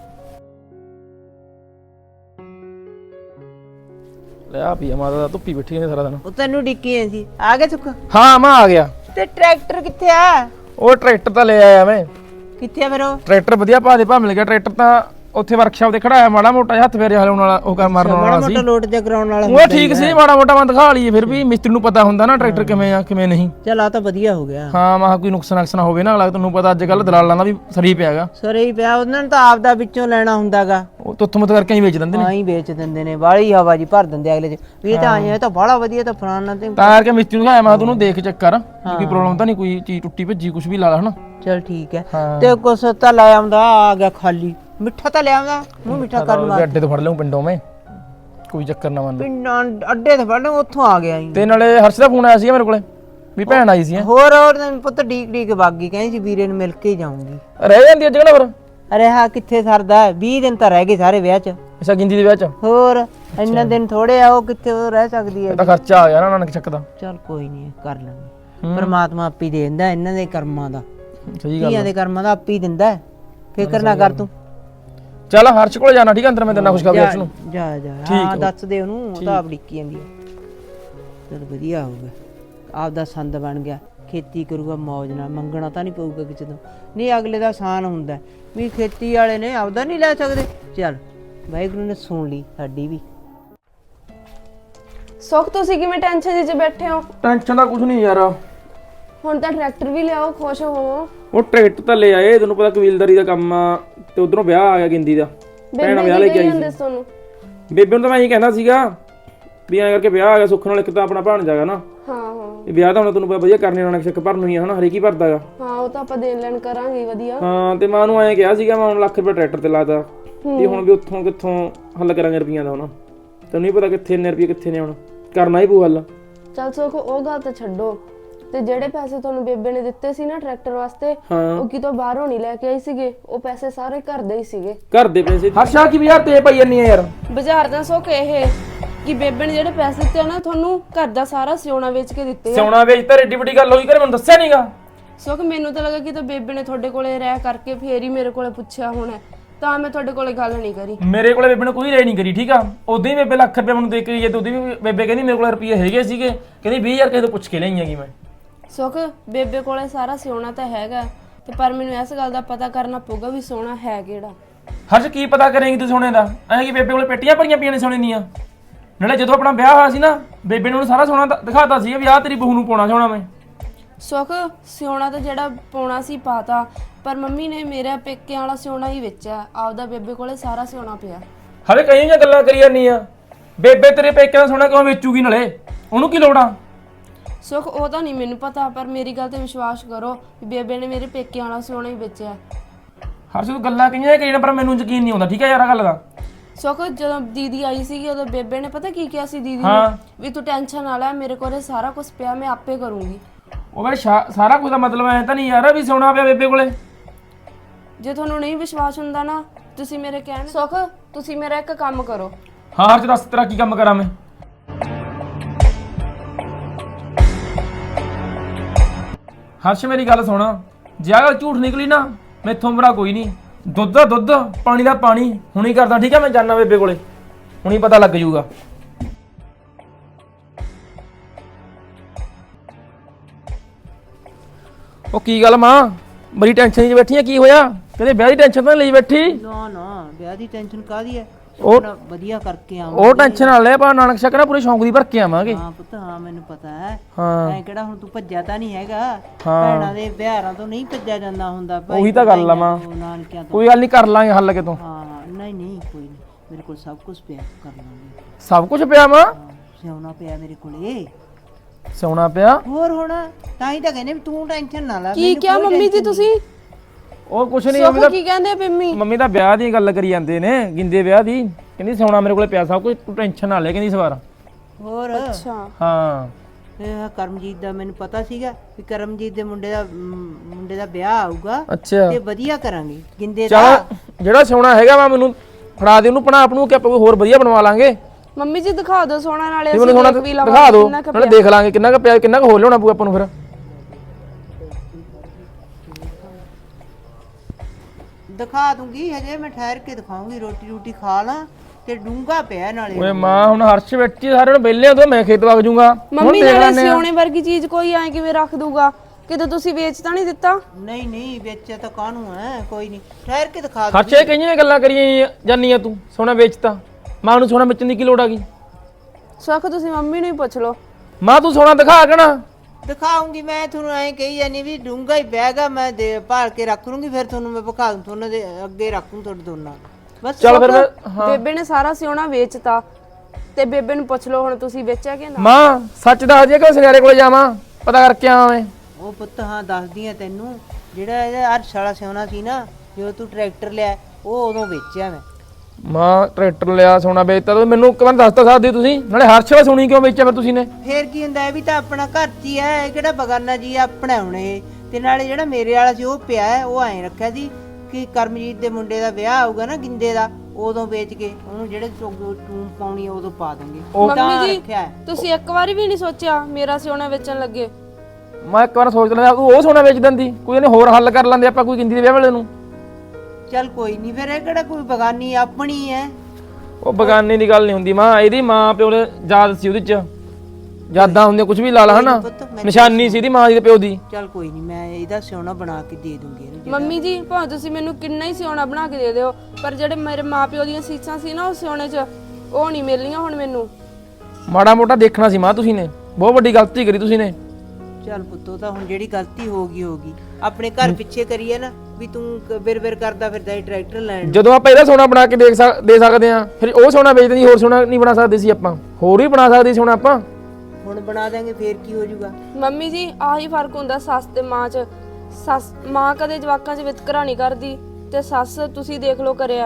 S3: ਲੈ ਆ ਪੀ ਮਾਤਾ ਦਾ ਧੁੱਪੀ ਬੈਠੀ ਨੇ ਸਾਰਾ ਦਿਨ।
S2: ਉਹ ਤੈਨੂੰ ਡਿੱਕੀ ਸੀ ਆ ਗਿਆ ਸੁੱਖ?
S3: ਹਾਂ ਮੈਂ ਆ ਗਿਆ।
S2: ਤੇ ਟਰੈਕਟਰ ਕਿੱਥੇ ਆ?
S3: ਉਹ ਟਰੈਕਟਰ ਤਾਂ ਲੈ ਆਇਆ ਮੈਂ।
S2: ਕਿੱਥੇ ਆ ਫਿਰ ਉਹ?
S3: ਟਰੈਕਟਰ ਵਧੀਆ ਭਾਅ ਦੇ ਭਾਅ ਮਿਲ ਗਿਆ। ਟਰੈਕਟਰ ਤਾਂ ਉੱਥੇ ਵਰਕਸ਼ਾਪ ਤੇ ਖੜਾਇਆ ਮਾੜਾ ਮੋਟਾ ਹੱਥ ਫੇਰੇ ਹਲਾਉਣ ਵਾਲਾ ਉਹ ਕਰ ਮਾਰਨ ਵਾਲਾ ਸੀ।
S2: ਮਾੜਾ ਲੋਟ ਜਿਹਾ ਕਰਾਉਣ ਵਾਲਾ
S3: ਉਹ ਠੀਕ ਸੀ ਮਾੜਾ ਮੋਟਾ ਮੈਂ ਦਿਖਾ ਲਈਏ ਫਿਰ ਵੀ ਮਿਸਤਰੀ ਨੂੰ ਪਤਾ ਹੁੰਦਾ ਨਾ ਟਰੈਕਟਰ ਕਿਵੇਂ ਆ ਕਿਵੇਂ ਨਹੀਂ।
S2: ਚੱਲ ਆ ਤਾਂ ਵਧੀਆ ਹੋ ਗਿਆ।
S3: ਹਾਂ ਮੈਂ ਕੋਈ ਨੁਕਸਾਨ ਨਕਸਾਨ ਹੋਵੇ ਨਾ ਅਗਲਾ ਤੁਹਾਨੂੰ ਪਤਾ ਅੱਜ ਕੱਲ ਦਲਾਲਾਂ ਦਾ ਵੀ ਸਰੀ ਪਿਆਗਾ।
S2: ਸਰੇ ਹੀ ਪਿਆ ਉਹਨਾਂ ਨੇ ਤਾਂ ਆਪਦਾ ਵਿੱਚੋਂ ਲੈਣਾ ਹੁੰਦਾਗਾ।
S3: ਉਹ ਤੁੱਥ ਮੁੱਥ ਕਰਕੇ ਹੀ ਵੇਚ ਦਿੰਦੇ ਨੇ।
S2: ਹਾਂ ਹੀ ਵੇਚ ਦਿੰਦੇ ਨੇ ਬਾਹਲੀ ਹਵਾ ਜੀ ਭਰ ਦਿੰਦੇ ਅਗਲੇ ਚ ਵੀ ਇਹ ਤਾਂ ਆਏ ਤਾਂ ਬੜਾ ਵਧੀਆ ਤਾਂ ਫਲਾਣਾ ਤੇ
S3: ਤਾਂ ਕਰਕੇ ਮਿਸਤਰੀ ਨੂੰ ਦਿਖਾਇਆ ਮੈਂ ਤੈਨੂੰ ਦੇਖ ਚੈੱਕ ਕਰ ਕੋਈ ਪ੍ਰੋਬਲਮ ਤਾਂ ਨਹੀਂ ਕੋਈ ਚੀਜ਼ ਟੁੱਟੀ ਭੱਜੀ ਕੁਝ ਵੀ ਲਾ ਲਾ ਹਨਾ।
S2: ਚੱਲ ਠੀਕ ਹੈ
S3: ਹਾਂ।
S2: ਤੇ ਕੁਛ ਤਾਂ ਲੈ ਆਉਂਦਾ ਆ ਗਿਆ ਖਾਲੀ ਮਿੱਠਾ ਤਾਂ ਲੈ ਆਉਂਦਾ ਮੂੰਹ ਮਿੱਠਾ ਕਰਨ ਵਾਸਤੇ।
S3: ਅੱਡੇ ਤੋਂ ਫੜ ਲਿਆ ਪਿੰਡੋਂ ਮੈਂ ਕੋਈ ਚੱਕਰ ਨਾ ਮੰਨ।
S2: ਪਿੰਡਾਂ ਅੱਡੇ ਤੇ ਫੜ ਉੱਥੋਂ ਆ ਗਿਆ
S3: ਤੇ ਨਾਲੇ ਹਰਸ਼ ਦਾ ਫੋਨ ਆਇਆ ਸੀਗਾ ਮੇਰੇ ਕੋਲੇ ਵੀ ਭੈਣ ਆਈ ਸੀ।
S2: ਹੋਰ ਹੋਰ ਪੁੱਤ ਡੀਕ ਡੀਕ ਵਗ ਗਈ ਕਹਿੰਦੀ ਸੀ ਵੀਰੇ ਨੂੰ ਮਿਲ ਕੇ ਹੀ ਜਾਊਂਗੀ।
S3: ਰਹਿ ਜਾਂਦੀ ਅੱਜ ਕਿਹੜਾ ਫਿਰ
S2: ਅਰੇ ਹਾਂ ਕਿੱਥੇ ਸਰਦਾ ਵੀਹ ਦਿਨ ਤਾਂ ਰਹਿ ਗਏ ਸਾਰੇ ਵਿਆਹ 'ਚ।
S3: ਅੱਛਾ ਗਿੰਦੀ ਦੇ ਵਿਆਹ ਚ
S2: ਹੋਰ ਇੰਨਾ ਦਿਨ ਥੋੜੇ ਆ, ਉਹ ਕਿੱਥੇ ਉਹ ਰਹਿ ਸਕਦੀ ਹੈ।
S3: ਇਹ ਤਾਂ ਖਰਚਾ ਆ ਗਿਆ ਨਾ ਨਾਨਕ ਚੱਕ ਦਾ।
S2: ਚੱਲ ਕੋਈ ਨਹੀਂ ਕਰ ਲਾਂਗੇ, ਪਰਮਾਤਮਾ ਆਪੀ ਦੇ ਦਿੰਦਾ ਇਹਨਾਂ ਦੇ ਕਰਮਾਂ ਦਾ,
S3: ਸਹੀ ਗੱਲ
S2: ਧੀਆਂ ਦੇ ਕਰਮਾਂ ਦਾ ਆਪੀ ਦਿੰਦਾ ਹੈ। ਫਿਕਰ ਨਾ ਕਰ ਤੂੰ।
S3: ਚੱਲ ਹਰਸ਼ ਕੋਲ ਜਾਣਾ ਠੀਕ ਹੈ, ਅੰਦਰ ਮੈਂ ਤੇਨਾਂ ਖੁਸ਼ਖਬਰੀ ਉਸ ਨੂੰ।
S2: ਜਾ ਜਾ
S3: ਠੀਕ
S2: ਹਾਂ
S3: ਆ।
S2: ਦੱਸ ਦੇ ਉਹਨੂੰ, ਉਹ ਤਾਂ ਆਪ ਡਿੱਕੀ ਜਾਂਦੀ ਹੈ। ਚਲ ਵਧੀਆ ਹੋਊਗਾ, ਆਪਦਾ ਸੰਦ ਬਣ ਗਿਆ, ਖੇਤੀ ਕਰੂਗਾ ਮੌਜ ਨਾਲ, ਮੰਗਣਾ ਤਾਂ ਨਹੀਂ ਪਊਗਾ ਕਿਸੇ ਤੋਂ। ਨਹੀਂ ਅਗਲੇ ਦਾ ਆਸਾਨ ਹੁੰਦਾ ਵੀ ਖੇਤੀ ਵਾਲੇ ਨੇ ਆਪਦਾ ਨਹੀਂ ਲੈ ਸਕਦੇ। ਚੱਲ ਵਾਹਿਗੁਰੂ ਨੇ ਸੁਣ ਲਈ ਸਾਡੀ ਵੀ।
S1: ਸੁਖ ਤੁਸੀਂ ਕਿਵੇਂ ਟੈਨਸ਼ਨ 'ਚ ਬੈਠੇ ਹੋ?
S3: ਟੈਨਸ਼ਨ ਦਾ ਕੁਝ ਨਹੀਂ ਯਾਰ,
S1: ਹੁਣ ਤਾਂ ਟਰੈਕਟਰ ਵੀ ਲਿਆਓ, ਖੁਸ਼ ਹੋਵੋ।
S3: ਉਹ ਟਰੈਕਟਰ ਤਾਂ ਲੈ ਆਏ, ਤੈਨੂੰ ਪਤਾ ਕਬੀਲਦਾਰੀ ਦਾ ਕੰਮ ਆ, ਤੇ ਉਧਰੋਂ ਵਿਆਹ ਆ ਗਿਆ ਗਿੰਦੀ ਦਾ, ਭੈਣ ਵਿਆਹ ਲੈ ਕੇ ਆਈ ਸੀ।
S1: ਤੁਹਾਨੂੰ
S3: ਬੇਬੇ ਨੂੰ ਤਾਂ ਮੈਂ ਇਹੀ ਕਹਿੰਦਾ ਸੀਗਾ ਵੀ ਐਂ ਕਰਕੇ ਵਿਆਹ ਆ ਗਿਆ ਸੁੱਖ ਨਾਲ, ਇੱਕ ਤਾਂ ਆਪਣਾ ਭਾਣ ਜਾਗਾ ਨਾ,
S1: ਹਾਂ ਹਾਂ
S3: ਇਹ ਵਿਆਹ ਤਾਂ ਹੁਣ ਤੈਨੂੰ ਪਤਾ ਵਧੀਆ ਕਰਨੇ ਨਾਨਕ ਸਿੱਖ ਭਰਨ ਹੀ ਆ ਹਨਾ, ਹਰੇਕ ਹੀ ਭਰਦਾਗਾ।
S1: ਹਾਂ ਉਹ ਤਾਂ ਆਪਾਂ ਦੇਣ ਲੈਣ ਕਰਾਂਗੇ ਵਧੀਆ।
S3: ਹਾਂ ਤੇ ਮਾਂ ਨੂੰ ਐਂ ਕਿਹਾ ਸੀਗਾ ਮੈਂ ਹੁਣ ਲੱਖ ਰੁਪਏ ਟਰੈਕਟਰ ਤੇ ਲਾਤਾ, ਤੇ ਹੁਣ ਵੀ ਉੱਥੋਂ ਕਿੱਥੋਂ ਹੱਲ ਕਰਾਂਗੇ ਰੁਪਈਆਂ ਦਾ ਹੁਣ, ਤੈਨੂੰ ਨਹੀਂ ਪਤਾ ਕਿੱਥੇ ਨੇ ਰੁਪਏ ਕਿੱਥੇ ਨੇ, ਹੁਣ ਕਰਨਾ ਹੀ ਪਊ ਹੱਲ।
S1: ਚੱਲ ਸੁਖ ਉਹ ਗੱਲ ਤਾਂ ਛੱਡੋ, ਤੇ ਜਿਹੜੇ ਪੈਸੇ ਤੁਹਾਨੂੰ ਬੇਬੇ ਨੇ ਦਿੱਤੇ ਸੀ ਨਾ ਟਰੈਕਟਰ ਵਾਸਤੇ,
S3: ਹਾਂ
S1: ਉਹ ਕਿਤੋਂ ਬਾਹਰੋਂ ਨਹੀਂ ਲੈ ਕੇ ਆਈ ਸੀਗੇ, ਉਹ ਪੈਸੇ ਸਾਰੇ ਘਰ ਦੇ ਹੀ ਸੀਗੇ।
S3: ਘਰ ਦੇ ਪੈਸੇ ਹਰਸ਼ਾ ਕੀ ਬਾਜ਼ਾਰ ਤੇ ਪਈ ਜੰਨੀ ਆ ਯਾਰ।
S1: ਬਾਜ਼ਾਰ ਦਾ ਸੁਖ ਇਹ ਕਿ ਬੇਬੇ ਨੇ ਜਿਹੜੇ ਪੈਸੇ ਦਿੱਤੇ ਨਾ ਤੁਹਾਨੂੰ ਘਰ ਦਾ ਸਾਰਾ ਸਿਉਣਾ ਵੇਚ ਕੇ ਦਿੱਤੇ ਆ।
S3: ਸਿਉਣਾ ਵੇਚ ਤਾਂ ਏਡੀ ਵੱਡੀ ਗੱਲ ਹੋਈ, ਕਰ ਮੈਨੂੰ ਦੱਸਿਆ ਨਹੀਂਗਾ।
S1: ਸੁਖ ਮੈਨੂੰ ਤਾਂ ਲੱਗਾ ਕਿ ਤਾਂ ਬੇਬੇ ਨੇ ਤੁਹਾਡੇ ਕੋਲੇ ਰਹਿ ਕਰਕੇ ਫੇਰ ਹੀ ਮੇਰੇ ਕੋਲੇ ਪੁੱਛਿਆ ਹੋਣਾ, ਤਾਂ ਮੈਂ ਤੁਹਾਡੇ ਕੋਲੇ ਗੱਲ ਨਹੀਂ ਕਰੀ।
S3: ਮੇਰੇ ਕੋਲੇ ਬੇਬੇ ਨੇ ਕੋਈ ਰਾਇ ਨਹੀਂ ਕਰੀ ਠੀਕ ਆ, ਉਦੋਂ ਹੀ ਬੇਬੇ ਲੱਖ ਰੁਪਏ ਮੈਨੂੰ ਦੇ ਕੇ ਗਈ ਤੇ ਉਦੋਂ ਵੀ ਬੇਬੇ ਕਹਿੰਦੀ ਮੇਰੇ ਕੋਲ ਰੁਪਏ ਹੈਗੇ ਸੀਗੇ, ਕਹਿੰਦੀ ਵੀਹ ਹਜ਼ਾਰ ਕਿਸੇ ਤੋਂ ਪੁੱਛ ਕੇ ਲਈ ਹੈਗੀ ਮੈਂ।
S1: ਸੁਖ ਬੇਬੇ ਕੋਲੇ ਸਾਰਾ ਸਿਉਣਾ ਤਾਂ ਹੈਗਾ, ਤੇ ਪਰ ਮੈਨੂੰ ਇਸ ਗੱਲ ਦਾ ਪਤਾ ਕਰਨਾ ਪਊਗਾ ਵੀ ਸੋਨਾ ਹੈ ਕਿਹੜਾ।
S3: ਹਰਸ਼ ਕੀ ਪਤਾ ਕਰੇਂਗੀ ਤੂੰ ਸੋਨੇ ਦਾ? ਐਂ ਕਿ ਬੇਬੇ ਕੋਲੇ ਪੇਟੀਆਂ ਭਰੀਆਂ ਪਈਆਂ ਨੇ ਸੋਨੇ ਦੀਆਂ। ਨਾਲੇ ਜਦੋਂ ਆਪਣਾ ਵਿਆਹ ਹੋਇਆ ਸੀ ਨਾ ਬੇਬੇ ਨੇ ਉਹਨੂੰ ਸਾਰਾ ਸੋਨਾ ਦਿਖਾਤਾ ਸੀ ਵੀ ਆਹ ਤੇਰੀ ਬਹੂ ਨੂੰ ਪਾਉਣਾ ਸੋਨਾ ਮੈਂ।
S1: ਸੁਖ ਸਿਉਣਾ ਤਾਂ ਜਿਹੜਾ ਪਾਉਣਾ ਸੀ ਪਾਤਾ, ਪਰ ਮੰਮੀ ਨੇ ਮੇਰਾ ਪੇਕਿਆਂ ਵਾਲਾ ਸਿਉਣਾ ਹੀ ਵੇਚਿਆ, ਆਪਦਾ ਬੇਬੇ ਕੋਲੇ ਸਾਰਾ ਸਿਉਣਾ ਪਿਆ।
S3: ਹਵੇ ਕਈ ਜਾਂ ਗੱਲਾਂ ਕਰੀ ਜਾਂਦੀ ਆ, ਬੇਬੇ ਤੇਰੇ ਪੇਕਿਆਂ ਦਾ ਸੋਨਾ ਕਿਉਂ ਵੇਚੂਗੀ, ਨਾਲੇ ਉਹਨੂੰ ਕੀ ਲੋੜ ਆ?
S1: ਸੁਖ ਉਹ ਤਾਂ ਨਹੀਂ ਮੈਨੂੰ ਪਤਾ, ਪਰ ਮੇਰੀ ਗੱਲ ਤੇ ਵਿਸ਼ਵਾਸ ਕਰੋ ਵੀ ਬੇਬੇ ਨੇ ਮੇਰੇ ਪੇਕਿਆਂ ਵਾਲਾ ਸਿਉਣਾ ਹੀ ਵੇਚਿਆ।
S3: ਹਰਸ਼ ਤੂੰ ਗੱਲਾਂ ਕਈਆਂ ਕਰੀ ਨਾ, ਪਰ ਮੈਨੂੰ ਯਕੀਨ ਨਹੀਂ ਆਉਂਦਾ ਠੀਕ ਹੈ ਯਾਰ ਆ ਗੱਲ ਦਾ।
S1: ਸੁਖ ਜਦੋਂ ਦੀਦੀ ਆਈ ਸੀਗੀ ਉਦੋਂ ਬੇਬੇ ਨੇ ਪਤਾ ਕੀ ਕਿਹਾ ਸੀ ਦੀਦੀ
S3: ਹਾਂ।
S1: ਨੂੰ, ਵੀ ਤੂੰ ਟੈਨਸ਼ਨ ਨਾ ਲੈ, ਮੇਰੇ ਕੋਲੇ ਸਾਰਾ ਕੁਝ ਪਿਆ, ਮੈਂ ਆਪੇ ਕਰੂੰਗੀ।
S3: ਉਹ ਵੇ ਸਾਰਾ ਕੁਝ ਦਾ ਮਤਲਬ ਐ ਤਾਂ ਨਹੀਂ ਯਾਰ ਵੀ ਸੋਨਾ ਪਿਆ ਬੇਬੇ ਕੋਲੇ।
S1: ਜੇ ਤੁਹਾਨੂੰ ਨਹੀਂ ਵਿਸ਼ਵਾਸ ਹੁੰਦਾ ਨਾ, ਤੁਸੀਂ ਮੇਰੇ ਕਹਿਣ ਸੁਖ ਤੁਸੀਂ ਮੇਰਾ ਇੱਕ ਕੰਮ ਕਰੋ।
S3: ਹਾਂ ਹਰਸ਼ ਦੱਸ ਤੇਰਾ ਕੀ ਕੰਮ ਕਰਾਂ ਮੈਂ? ਹਰਸ਼ ਮੇਰੀ ਗੱਲ ਸੁਣ, ਜੇ ਆਹ ਗੱਲ ਝੂਠ ਨਿਕਲੀ ਨਾ ਮੈਥੋਂ ਬੜਾ ਕੋਈ ਨਹੀਂ, ਦੁੱਧ ਦਾ ਦੁੱਧ ਪਾਣੀ ਦਾ ਪਾਣੀ ਹੁਣੀ ਕਰਦਾ ਠੀਕ ਹੈ। ਮੈਂ ਜਾਣਾ ਬੇਬੇ ਕੋਲੇ, ਹੁਣੀ ਪਤਾ ਲੱਗ ਜਾਊਗਾ। ਉਹ ਕੀ ਗੱਲ ਮਾਂ ਬੜੀ ਟੈਨਸ਼ਨ 'ਚ ਬੈਠੀ ਆ, ਕੀ ਹੋਇਆ? ਕਹਿੰਦੇ ਵਿਆਹ ਦੀ ਟੈਨਸ਼ਨ ਤਾਂ ਲਈ ਬੈਠੀ।
S2: ਨਾ ਨਾ ਵਿਆਹ ਦੀ ਟੈਨਸ਼ਨ ਕਾਹਦੀ ਹੈ,
S3: ਉਹ
S2: ਆਪਣਾ ਵਧੀਆ ਕਰਕੇ ਆਵਾਂ।
S3: ਉਹ ਟੈਨਸ਼ਨ ਨਾਲ ਲੈ ਪਾ ਨਾਨਕ ਸ਼ੱਕ ਨਾ ਪੂਰੇ ਸ਼ੌਂਕ ਦੀ ਭਰ ਕੇ ਆਵਾਂਗੇ।
S2: ਹਾਂ ਪੁੱਤ ਹਾਂ ਮੈਨੂੰ ਪਤਾ ਹੈ,
S3: ਹਾਂ
S2: ਐ ਕਿਹੜਾ ਹੁਣ ਤੂੰ ਭੱਜਿਆ ਤਾਂ ਨਹੀਂ ਹੈਗਾ,
S3: ਹਾਂ।
S2: ਭੈਣਾਂ ਦੇ ਵਿਹਾਰਾਂ ਤੋਂ ਨਹੀਂ ਭੱਜਿਆ ਜਾਂਦਾ ਹੁੰਦਾ ਭਾਈ।
S3: ਉਹੀ ਤਾਂ ਗੱਲ ਆ ਮਾਂ,
S2: ਨਾਨਕਿਆਂ ਤੋਂ।
S3: ਕੋਈ ਗੱਲ ਨਹੀਂ ਕਰ ਲਾਂਗੇ ਹੱਲ ਕਿਤੋਂ।
S2: ਹਾਂ ਨਹੀਂ ਨਹੀਂ ਕੋਈ ਨਹੀਂ, ਮੇਰੇ ਕੋਲ ਸਭ ਕੁਝ ਪਿਆ, ਕਰ ਲਾਂਗੇ।
S3: ਸਭ ਕੁਝ ਪਿਆ ਮਾਂ?
S2: ਹਾਂ, ਸਿਉਣਾ ਪਿਆ ਮੇਰੇ ਕੋਲੇ,
S3: ਸੋਨਾ ਪਿਆ।
S2: ਹੋਰ ਹੋਣਾ ਤਾਂ ਹੀ ਤਾਂ ਕਹਿੰਦੇ ਵੀ ਤੂੰ ਟੈਨਸ਼ਨ ਨਾ ਲੈ।
S1: ਕੀ ਕਿਹਾ ਮੰਮੀ ਜੀ ਤੁਸੀਂ?
S3: ਉਹ ਕੁਛ ਨਹੀਂ,
S1: ਸੁਖ ਕੀ ਕਹਿੰਦੇ ਆ ਪੰਮੀ?
S3: ਮੰਮੀ ਤਾਂ ਵਿਆਹ ਦੀ ਗੱਲ ਕਰੀ ਜਾਂਦੇ ਨੇ, ਗਿੰਦੇ ਵਿਆਹ ਦੀ। ਕਹਿੰਦੀ ਸੋਨਾ ਮੇਰੇ ਕੋਲੇ ਪਿਆ ਸਭ ਕੁਝ, ਤੂੰ ਟੈਨਸ਼ਨ ਨਾ ਲੈ ਕਹਿੰਦੀ ਇਸ ਵਾਰ।
S2: ਹੋਰ
S1: ਅੱਛਾ
S3: ਹਾਂ
S2: ਇਹ ਕਰਮਜੀਤ ਦਾ ਮੈਨੂੰ ਪਤਾ ਸੀਗਾ ਵੀ ਕਰਮਜੀਤ ਦੇ ਮੁੰਡੇ ਦਾ ਮ, ਮੁੰਡੇ ਦਾ ਵਿਆਹ ਆਊਗਾ
S3: ਅੱਛਾ
S2: ਤੇ ਵਧੀਆ ਕਰਾਂਗੇ ਗਿੰਦੇ ਦਾ।
S3: ਚਲ ਜਿਹੜਾ ਸੋਨਾ ਹੈਗਾ ਵਾ ਮੈਨੂੰ ਫੜਾ ਦੇ, ਉਹਨੂੰ ਪਣਾ ਆਪ ਨੂੰ ਕਿ ਆਪਾਂ ਕੋਈ ਹੋਰ ਵਧੀਆ ਬਣਵਾ ਲਾਂਗੇ।
S1: ਮੰਮੀ ਜੀ ਦਿਖਾ ਦਿਓ ਸੋਨਾ, ਨਾਲੇ
S3: ਤੇ ਮੈਨੂੰ ਸੋਨਾ
S1: ਦੇਖ ਵੀ ਲਵਾਂਗੇ
S3: ਦਿਖਾ ਦਿਓ,
S1: ਕਿੰਨਾ ਕੁ
S3: ਨਾਲੇ
S1: ਪਿਆ।
S3: ਦੇਖ ਲਾਂਗੇ ਕਿੰਨਾ ਕੁ ਪਿਆ, ਕਿੰਨਾ ਕੁ ਹੋਰ ਲਿਆਉਣਾ ਪਊ ਆਪਾਂ ਨੂੰ ਫਿਰ।
S2: ਦਿਖਾ ਦੂੰਗੀ, ਹਜੇ ਮੈਂ ਠਹਿਰ ਕੇ ਦਿਖਾਉਂਗੀ, ਰੋਟੀ ਰੋਟੀ ਖਾ ਲਾਂ ਤੇ ਡੂੰਗਾ ਪਿਆ ਨਾਲੇ।
S3: ਓਏ ਮਾਂ ਹੁਣ ਹਰਸ਼ ਬੈਠੀ ਸਾਰੇ ਨੂੰ ਵਿਹਲੇ ਹੋ, ਮੈਂ ਖੇਤ ਵਗ ਜਾਊਂਗਾ।
S1: ਮੰਮੀ ਨਾਲੇ ਸਿਉਣੇ ਵਰਗੀ ਚੀਜ਼ ਕੋਈ ਐ ਕਿਵੇਂ ਰੱਖ ਦੂਗਾ, ਕਿਤੇ ਤੁਸੀਂ ਵੇਚ ਤਾਂ ਨਹੀਂ ਦਿੱਤਾ?
S2: ਨਹੀਂ ਨਹੀਂ ਵੇਚਿਆ ਤਾਂ ਕਾਹਨੂੰ ਹੈ, ਕੋਈ ਨਹੀਂ ਠਹਿਰ ਕੇ ਦਿਖਾ ਦੂੰਗੀ।
S3: ਹਰਸ਼ੇ ਕਈਆਂ ਗੱਲਾਂ ਕਰੀਆਂ ਜਾਨੀਆਂ ਤੂੰ, ਸੋਨਾ ਵੇਚਤਾ। ਮਾਂ ਨੂੰ ਸੋਨਾ ਵੇਚਣ ਦੀ ਕੀ ਲੋੜ ਆ ਗਈ?
S1: ਸੁਖ ਤੁਸੀਂ ਮੰਮੀ ਨੂੰ ਹੀ ਪੁੱਛ ਲਓ।
S3: ਮਾਂ ਤੂੰ ਸੋਨਾ ਦਿਖਾ ਕੇ ਨਾ।
S2: ਦਿਖਾਉਂਗੀ ਮੈਂ ਤੁਹਾਨੂੰ, ਐਂ ਕਹੀ ਜਾਨੀ ਵੀ ਡੂੰਗਾ ਹੀ ਬਹਿ ਗਾ, ਮੈਂ ਦੇ ਭਾਲ ਕੇ ਰੱਖ ਲੂੰਗੀ, ਫਿਰ ਤੁਹਾਨੂੰ ਮੈਂ ਵਿਖਾ ਦੂੰ, ਤੁਹਾਨੂੰ ਦੇ ਅੱਗੇ ਰੱਖੂੰ ਤੁਹਾਡੇ ਦੋਨਾਂ ਬਸ।
S3: ਚੱਲ ਫਿਰ ਮੈਂ ਹਾਂ
S1: ਬੇਬੇ ਨੇ ਸਾਰਾ ਸਿਉਣਾ ਵੇਚਤਾ, ਤੇ ਬੇਬੇ ਨੂੰ ਪੁੱਛ ਲਓ ਹੁਣ ਤੁਸੀਂ ਵੇਚਿਆ ਕਿ ਨਾ।
S3: ਮਾਂ ਸੱਚ ਦੱਸ ਜੇ ਕਿ ਸੁਨਿਆਰੇ ਕੋਲੇ ਜਾਵਾਂ ਪਤਾ ਕਰਕੇ ਆਵਾਂ ਮੈਂ।
S2: ਉਹ ਪੁੱਤ ਹਾਂ ਦੱਸਦੀ ਆ ਤੈਨੂੰ, ਜਿਹੜਾ ਇਹਦਾ ਅਰਸ਼ ਵਾਲਾ ਸਿਉਣਾ ਸੀ ਨਾ, ਜਦੋਂ ਤੂੰ ਟਰੈਕਟਰ ਲਿਆ ਉਹ ਉਦੋਂ ਵੇਚਿਆ ਮੈਂ।
S3: ਮਾਂ ਟਰੈਕਟਰ ਲਿਆ ਸੋਨਾ ਵੇਚਤਾ, ਤੇ ਮੈਨੂੰ ਇੱਕ ਵਾਰ ਦੱਸ ਤਾਂ ਸਕਦੇ ਤੁਸੀਂ, ਨਾਲੇ ਹਰਸ਼ ਵਾਲਾ ਸੋਨੀ ਕਿਉਂ ਵੇਚਿਆ ਫਿਰ ਤੁਸੀਂ ਨੇ?
S2: ਫੇਰ ਕੀ ਹੁੰਦਾ, ਇਹ ਵੀ ਤਾਂ ਆਪਣਾ ਘਰ 'ਚ ਹੀ ਹੈ, ਇਹ ਕਿਹੜਾ ਬਗਾਨਾ ਜੀ ਆ, ਆਪਣਾ ਹੁਣ ਇਹ। ਤੇ ਨਾਲੇ ਜਿਹੜਾ ਮੇਰੇ ਵਾਲਾ ਸੀ ਉਹ ਪਿਆ ਹੈ, ਉਹ ਐਂ ਰੱਖਿਆ ਸੀ ਬਾਕੀ ਕਰਮਜੀਤ ਦੇ ਮੁੰਡੇ ਦਾ ਵਿਆਹ ਆਊਗਾ ਨਾ ਗਿੰਦੇ ਦਾ, ਉਦੋਂ ਵੇਚ ਕੇ ਉਹਨੂੰ ਜਿਹੜੇ ਟੂਮ ਪਾਉਣੀ ਆ ਉਦੋਂ ਪਾ ਦਾਂਗੇ।
S3: ਉਹ
S2: ਤਾਂ
S1: ਮੰਮੀ ਜੀ
S2: ਰੱਖਿਆ ਹੈ।
S1: ਤੁਸੀਂ ਇੱਕ ਵਾਰੀ ਵੀ ਨਹੀਂ ਸੋਚਿਆ ਮੇਰਾ ਸਿਉਣਾ ਵੇਚਣ ਲੱਗੇ?
S3: ਮੈਂ ਇੱਕ ਵਾਰ ਸੋਚ ਲਿਆ ਤੂੰ ਉਹ ਸੋਨਾ ਵੇਚ ਦਿੰਦੀ, ਕੋਈ ਨਹੀਂ ਹੋਰ ਹੱਲ ਕਰ ਲੈਂਦੇ ਆਪਾਂ, ਕੋਈ ਗਿੰਦੀ ਦੇ ਵਿਆਹ ਵੇਲੇ ਨੂੰ।
S2: ਚੱਲ ਕੋਈ ਨਹੀਂ, ਫਿਰ ਇਹ ਕਿਹੜਾ ਕੋਈ ਬਗਾਨੀ ਆਪਣੀ ਹੈ।
S3: ਉਹ ਬਗਾਨੇ ਦੀ ਗੱਲ ਨਹੀਂ ਹੁੰਦੀ ਮਾਂ, ਇਹਦੀ ਮਾਂ ਪਿਓ ਦੇ ਯਾਦ ਸੀ ਉਹਦੇ ਚ, ਯਾਦਾਂ ਹੁੰਦੀਆਂ ਕੁਝ ਵੀ ਲਾ ਲਾ ਹਨਾ,
S2: ਪੁੱਤ, ਮੈਂ-
S3: ਨਿਸ਼ਾਨੀ ਸੀ ਇਹਦੀ ਮਾਂ ਦੀ ਤੇ ਪਿਓ ਦੀ।
S2: ਚੱਲ ਕੋਈ ਨਹੀਂ, ਮੈਂ ਇਹਦਾ ਸਿਉਣਾ ਬਣਾ ਕੇ ਦੇ ਦੂੰਗੀ ਇਹਨੂੰ।
S1: ਮੰਮੀ ਜੀ ਭਾਵੇਂ ਤੁਸੀਂ ਮੈਨੂੰ ਕਿੰਨਾ ਹੀ ਸਿਉਣਾ ਬਣਾ ਕੇ ਦੇ ਦਿਓ, ਪਰ ਜਿਹੜੇ ਮੇਰੇ ਮਾਪਿਓ ਦੀਆਂ ਸੀਸਾਂ ਸੀ ਨਾ ਉਹ ਸਿਉਣੇ 'ਚ, ਉਹ ਨਹੀਂ ਮਿਲਣੀਆਂ ਹੁਣ ਮੈਨੂੰ।
S3: ਮਾੜਾ ਮੋਟਾ ਦੇਖਣਾ ਸੀ ਮਾਂ ਤੁਸੀਂ ਨੇ, ਬਹੁਤ ਵੱਡੀ ਗਲਤੀ ਕਰੀ ਤੁਸੀਂ ਨੇ।
S2: ਚੱਲ ਪੁੱਤੋ, ਤਾਂ ਹੁਣ ਜਿਹੜੀ ਗਲਤੀ ਹੋ ਗਈ ਹੋ ਗਈ, ਆਪਣੇ ਘਰ ਪਿੱਛੇ ਕਰੀਏ ਨਾ ਵੀ ਤੂੰ ਬਿਰ ਬਿਰ ਕਰਦਾ ਫਿਰਦਾ ਇਹ ਟਰੈਕਟਰ ਲੈਣ ਨੂੰ।
S3: ਜਦੋਂ ਆਪਾਂ ਇਹਦਾ ਸੋਨਾ ਬਣਾ ਕੇ ਦੇਖ ਸਕ ਦੇ ਸਕਦੇ ਆ, ਫਿਰ ਉਹ ਸੋਨਾ ਵੇਚ ਦਿੰਦੀ, ਹੋਰ ਸੋਨਾ ਨਹੀਂ ਬਣਾ ਸਕਦੇ ਸੀ ਆਪਾਂ, ਹੋਰ ਵੀ ਬਣਾ ਸਕਦੇ ਸੀ ਹੁਣ ਆਪਾਂ।
S2: ਹੁਣ ਬਣਾ ਦਾਂਗੇ ਫੇਰ ਕੀ ਹੋ ਜਾਊਗਾ।
S1: ਮੰਮੀ ਜੀ ਆਹੀ ਫਰਕ ਹੁੰਦਾ ਸੱਸ ਤੇ ਮਾਂ 'ਚ। ਸੱਸ ਮਾਂ ਕਦੇ ਜਵਾਕਾਂ 'ਚ ਵਿਤਕਰਾ ਨਹੀਂ ਕਰਦੀ, ਤੇ ਸੱਸ ਤੁਸੀਂ ਦੇਖ ਲਓ ਕਰਿਆ।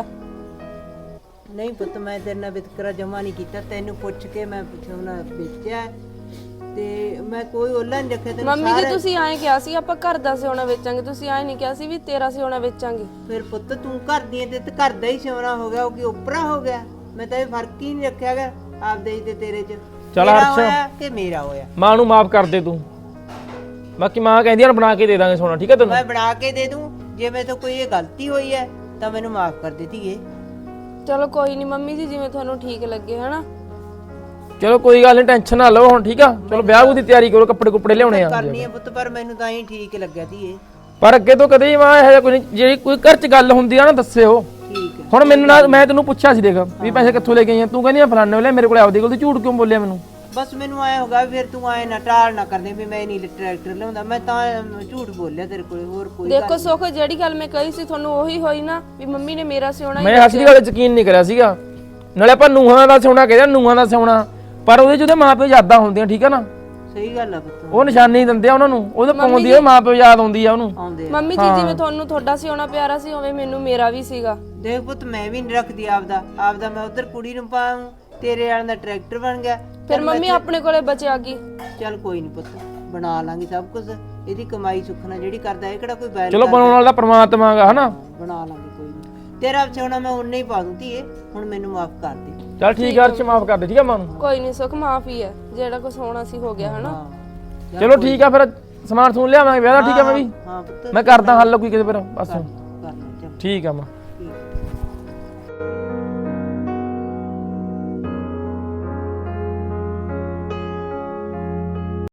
S2: ਨਹੀਂ ਪੁੱਤ, ਮੈਂ ਤੇਰੇ ਨਾਲ ਵਿਤਕਰਾ ਜਮਾ ਨਹੀਂ ਕੀਤਾ, ਤੈਨੂੰ ਪੁੱਛ ਕੇ ਮੈਂ ਸਿਉਣਾ ਵੇਚਿਆ ਤੇ ਮੈਂ ਕੋਈ ਓਲਾ ਨਹੀਂ ਰੱਖਿਆ ਤੈਨੂੰ।
S1: ਮੰਮੀ ਜੀ ਤੁਸੀਂ ਐਂ ਕਿਹਾ ਸੀ ਆਪਾਂ ਘਰ ਦਾ ਸਿਉਣਾ ਵੇਚਾਂਗੇ, ਤੁਸੀਂ ਐਂ ਨਹੀਂ ਕਿਹਾ ਸੀ ਵੀ ਤੇਰਾ ਸਿਉਣਾ ਵੇਚਾਂਗੇ।
S2: ਫਿਰ ਪੁੱਤ ਤੂੰ ਘਰ ਦੀ ਤੇ ਤੇ ਘਰ ਦਾ ਹੀ ਸਿਉਣਾ ਹੋ ਗਿਆ, ਉਹ ਕੀ ਉਪਰਾ ਹੋ ਗਿਆ। ਮੈਂ ਤਾਂ ਇਹ ਫਰਕ ਹੀ ਨਹੀਂ ਰੱਖਿਆਗਾ ਆਪਦੇ ਹੀ ਤੇ ਤੇਰੇ 'ਚ।
S3: ਚੱਲ
S2: ਤੇਰਾ
S3: ਹਰਸ਼।
S2: ਹੋਇਆ ਕਿ ਮੇਰਾ ਹੋਇਆ।
S3: ਮਾਂ ਨੂੰ ਮਾਫ ਕਰ ਦੇ ਤੂੰ, ਬਾਕੀ ਮਾਂ ਕਹਿੰਦੀ ਆ ਬਣਾ ਕੇ ਦੇ ਦਾਂਗੇ ਸੋਨਾ, ਠੀਕ ਹੈ ਤੈਨੂੰ।
S2: ਮੈਂ ਬਣਾ ਕੇ ਦੇ ਦੂੰ, ਜੇ ਮੇਰੇ ਤੋਂ ਕੋਈ ਇਹ ਗਲਤੀ ਹੋਈ ਹੈ ਤਾਂ ਮੈਨੂੰ ਮਾਫ ਕਰ ਦੇ ਧੀਏ।
S1: ਚਲੋ ਕੋਈ ਨਹੀਂ ਮੰਮੀ ਜੀ, ਜਿਵੇਂ ਤੁਹਾਨੂੰ ਠੀਕ ਲੱਗੇ ਹਨਾ।
S3: ਚਲੋ ਕੋਈ ਗੱਲ ਨਹੀਂ, ਟੈਨਸ਼ਨ ਨਾ ਲਓ ਹੁਣ, ਠੀਕ ਆ। ਚਲੋ ਵਿਆਹ ਦੀ ਤਿਆਰੀ ਕਰੋ, ਕੱਪੜੇ ਕੁੱਪੜੇ ਲਿਆਉਣੇ ਆ।
S2: ਕਰਨੀ ਹੈ ਪੁੱਤ, ਪਰ ਮੈਨੂੰ ਤਾਂ ਹੀ ਠੀਕ ਲੱਗਿਆ ਧੀਏ।
S3: ਪਰ ਅੱਗੇ ਤੋਂ ਕਦੇ ਮਾਂ ਇਹੋ ਜਿਹਾ ਕੋਈ ਨਹੀਂ, ਜਿਹੜੀ ਕੋਈ ਘਰ 'ਚ ਗੱਲ ਹੁੰਦੀ ਆ ਨਾ ਦੱਸਿਓ।
S2: ਠੀਕ ਹੈ।
S3: ਹੁਣ ਮੈਨੂੰ ਨਾਲ ਮੈਂ ਤੈਨੂੰ ਪੁੱਛਿਆ ਸੀ, ਦੇਖ ਵੀ ਪੈਸੇ ਕਿੱਥੋਂ ਲੈ ਕੇ ਆਈਆਂ, ਤੂੰ ਕਹਿੰਦੀ ਆ ਫਲਾਣੇ ਵੇਲੇ ਮੇਰੇ ਕੋਲ ਆਪਦੇ ਕੋਲ, ਤੂੰ ਝੂਠ ਕਿਉਂ ਬੋਲਿਆ ਮੈਨੂੰ?
S2: ਬਸ ਮੈਨੂੰ ਆਇਆ ਹੋਗਾ ਫਿਰ ਤੂੰ ਆਏ ਨਾ ਟਾਲ ਨਾ ਕਰਦੇ ਵੀ ਮੈਂ ਨਹੀਂ ਟਰੈਕਟਰ ਲਿਆਉਂਦਾ, ਮੈਂ ਤਾਂ ਝੂਠ ਬੋਲਿਆ ਤੇਰੇ ਕੋਲ, ਹੋਰ ਕੋਈ ਗੱਲ
S1: ਦੇਖੋ ਸੁੱਖ, ਜਿਹੜੀ ਗੱਲ ਮੈਂ ਕਹੀ ਸੀ ਤੁਹਾਨੂੰ ਉਹੀ ਹੋਈ ਨਾ, ਵੀ ਮੰਮੀ ਨੇ ਮੇਰਾ ਸਿਉਣਾ ਹੀ
S3: ਮੈਂ ਹੱਸ ਦੀ ਗੱਲ ਯਕੀਨ ਨਹੀਂ ਕਰਿਆ ਸੀਗਾ। ਨਾਲੇ ਆਪਾਂ ਨੂਹਾਂ ਦਾ ਸੋਨਾ ਕਹਿੰਦੇ, ਨੂਹਾਂ ਦਾ ਸੋਨਾ, ਪਰ ਉਹਦੇ 'ਚ ਉਹਦੇ ਮਾਂ ਪਿਓ ਯਾਦਾਂ ਹੁੰਦੀਆਂ, ਠੀਕ ਆ ਨਾ।
S2: ਸਹੀ ਗੱਲ ਆ ਪੁੱਤ,
S3: ਉਹ ਨਿਸ਼ਾਨੀ ਦਿੰਦੇ ਆ ਉਹਨਾਂ ਨੂੰ, ਉਹਦੇ ਪਾਉਂਦੀ ਆ, ਮਾਂ ਪਿਓ ਯਾਦ ਆਉਂਦੀ ਆ ਉਹਨੂੰ।
S2: ਆਉਂਦੇ ਆ।
S1: ਮੰਮੀ ਜੀ ਜਿਵੇਂ ਤੁਹਾਨੂੰ ਤੁਹਾਡਾ ਸਿਉਣਾ ਪਿਆਰਾ ਸੀ, ਉਵੇਂ ਮੈਨੂੰ ਮੇਰਾ ਵੀ ਸੀਗਾ।
S2: ਦੇਖ ਪੁੱਤ, ਮੈਂ ਵੀ ਨਹੀਂ ਰੱਖਦੀ ਆਪਦਾ ਆਪਦਾ ਮੈਂ ਉਧਰ ਕੁੜੀ ਨੂੰ ਪਾਉਂ, ਤੇਰੇ ਵਾਲਿਆਂ ਦਾ ਟਰੈਕਟਰ ਬਣ ਗਿਆ।
S1: ਫਿਰ ਮੰਮੀ ਆਪਣੇ ਕੋਲੇ ਬਚਿਆ ਕੀ?
S2: ਚੱਲ ਕੋਈ ਨਹੀਂ ਪੁੱਤ, ਬਣਾ ਲਾਂਗੇ ਸਭ ਕੁਝ, ਇਹਦੀ ਕਮਾਈ ਸੁੱਖਣਾ ਜਿਹੜੀ ਕਰਦਾ, ਇਹ ਕਿਹੜਾ ਕੋਈ ਬੈਲ।
S3: ਚਲੋ ਬਣਾਉਣ ਵਾਲਾ ਪਰਮਾਤਮਾ ਹੈਗਾ ਹਨਾ।
S2: ਬਣਾ ਲਾਂਗੇ ਕੋਈ ਨਹੀਂ, ਤੇਰਾ ਸਿਉਣਾ ਮੈਂ ਉਨਾ ਹੀ ਪਾ ਦੂੰ ਧੀਏ, ਹੁਣ ਮੈਨੂੰ ਮਾਫ ਕਰ ਦੇ।
S3: ਚੱਲ ਠੀਕ ਆ ਅਰਸ਼, ਮਾਫ ਕਰ ਦੇ, ਠੀਕ ਆ ਮਾਂ ਨੂੰ।
S1: ਕੋਈ ਨਹੀਂ ਸੁੱਖ, ਮਾਫ ਹੀ ਹੈ, ਜਿਹੜਾ ਕੁਝ ਹੋਣਾ ਸੀ ਹੋ ਗਿਆ ਹਨਾ।
S2: ਹਾਂ
S3: ਚਲੋ ਠੀਕ ਆ, ਫਿਰ ਸਮਾਨ ਸਮੂਨ ਲਿਆਵਾਂਗੇ ਵਿਆਹ ਦਾ, ਠੀਕ ਆ। ਮੈਂ ਵੀ
S2: ਹਾਂ ਪੁੱਤ
S3: ਮੈਂ ਕਰਦਾ ਹੱਲ ਕੋਈ ਕਿਤੇ, ਫਿਰ ਬਸ
S2: ਕਰ ਲੈ ਚੱਲ।
S3: ਠੀਕ ਆ ਮਾਂ।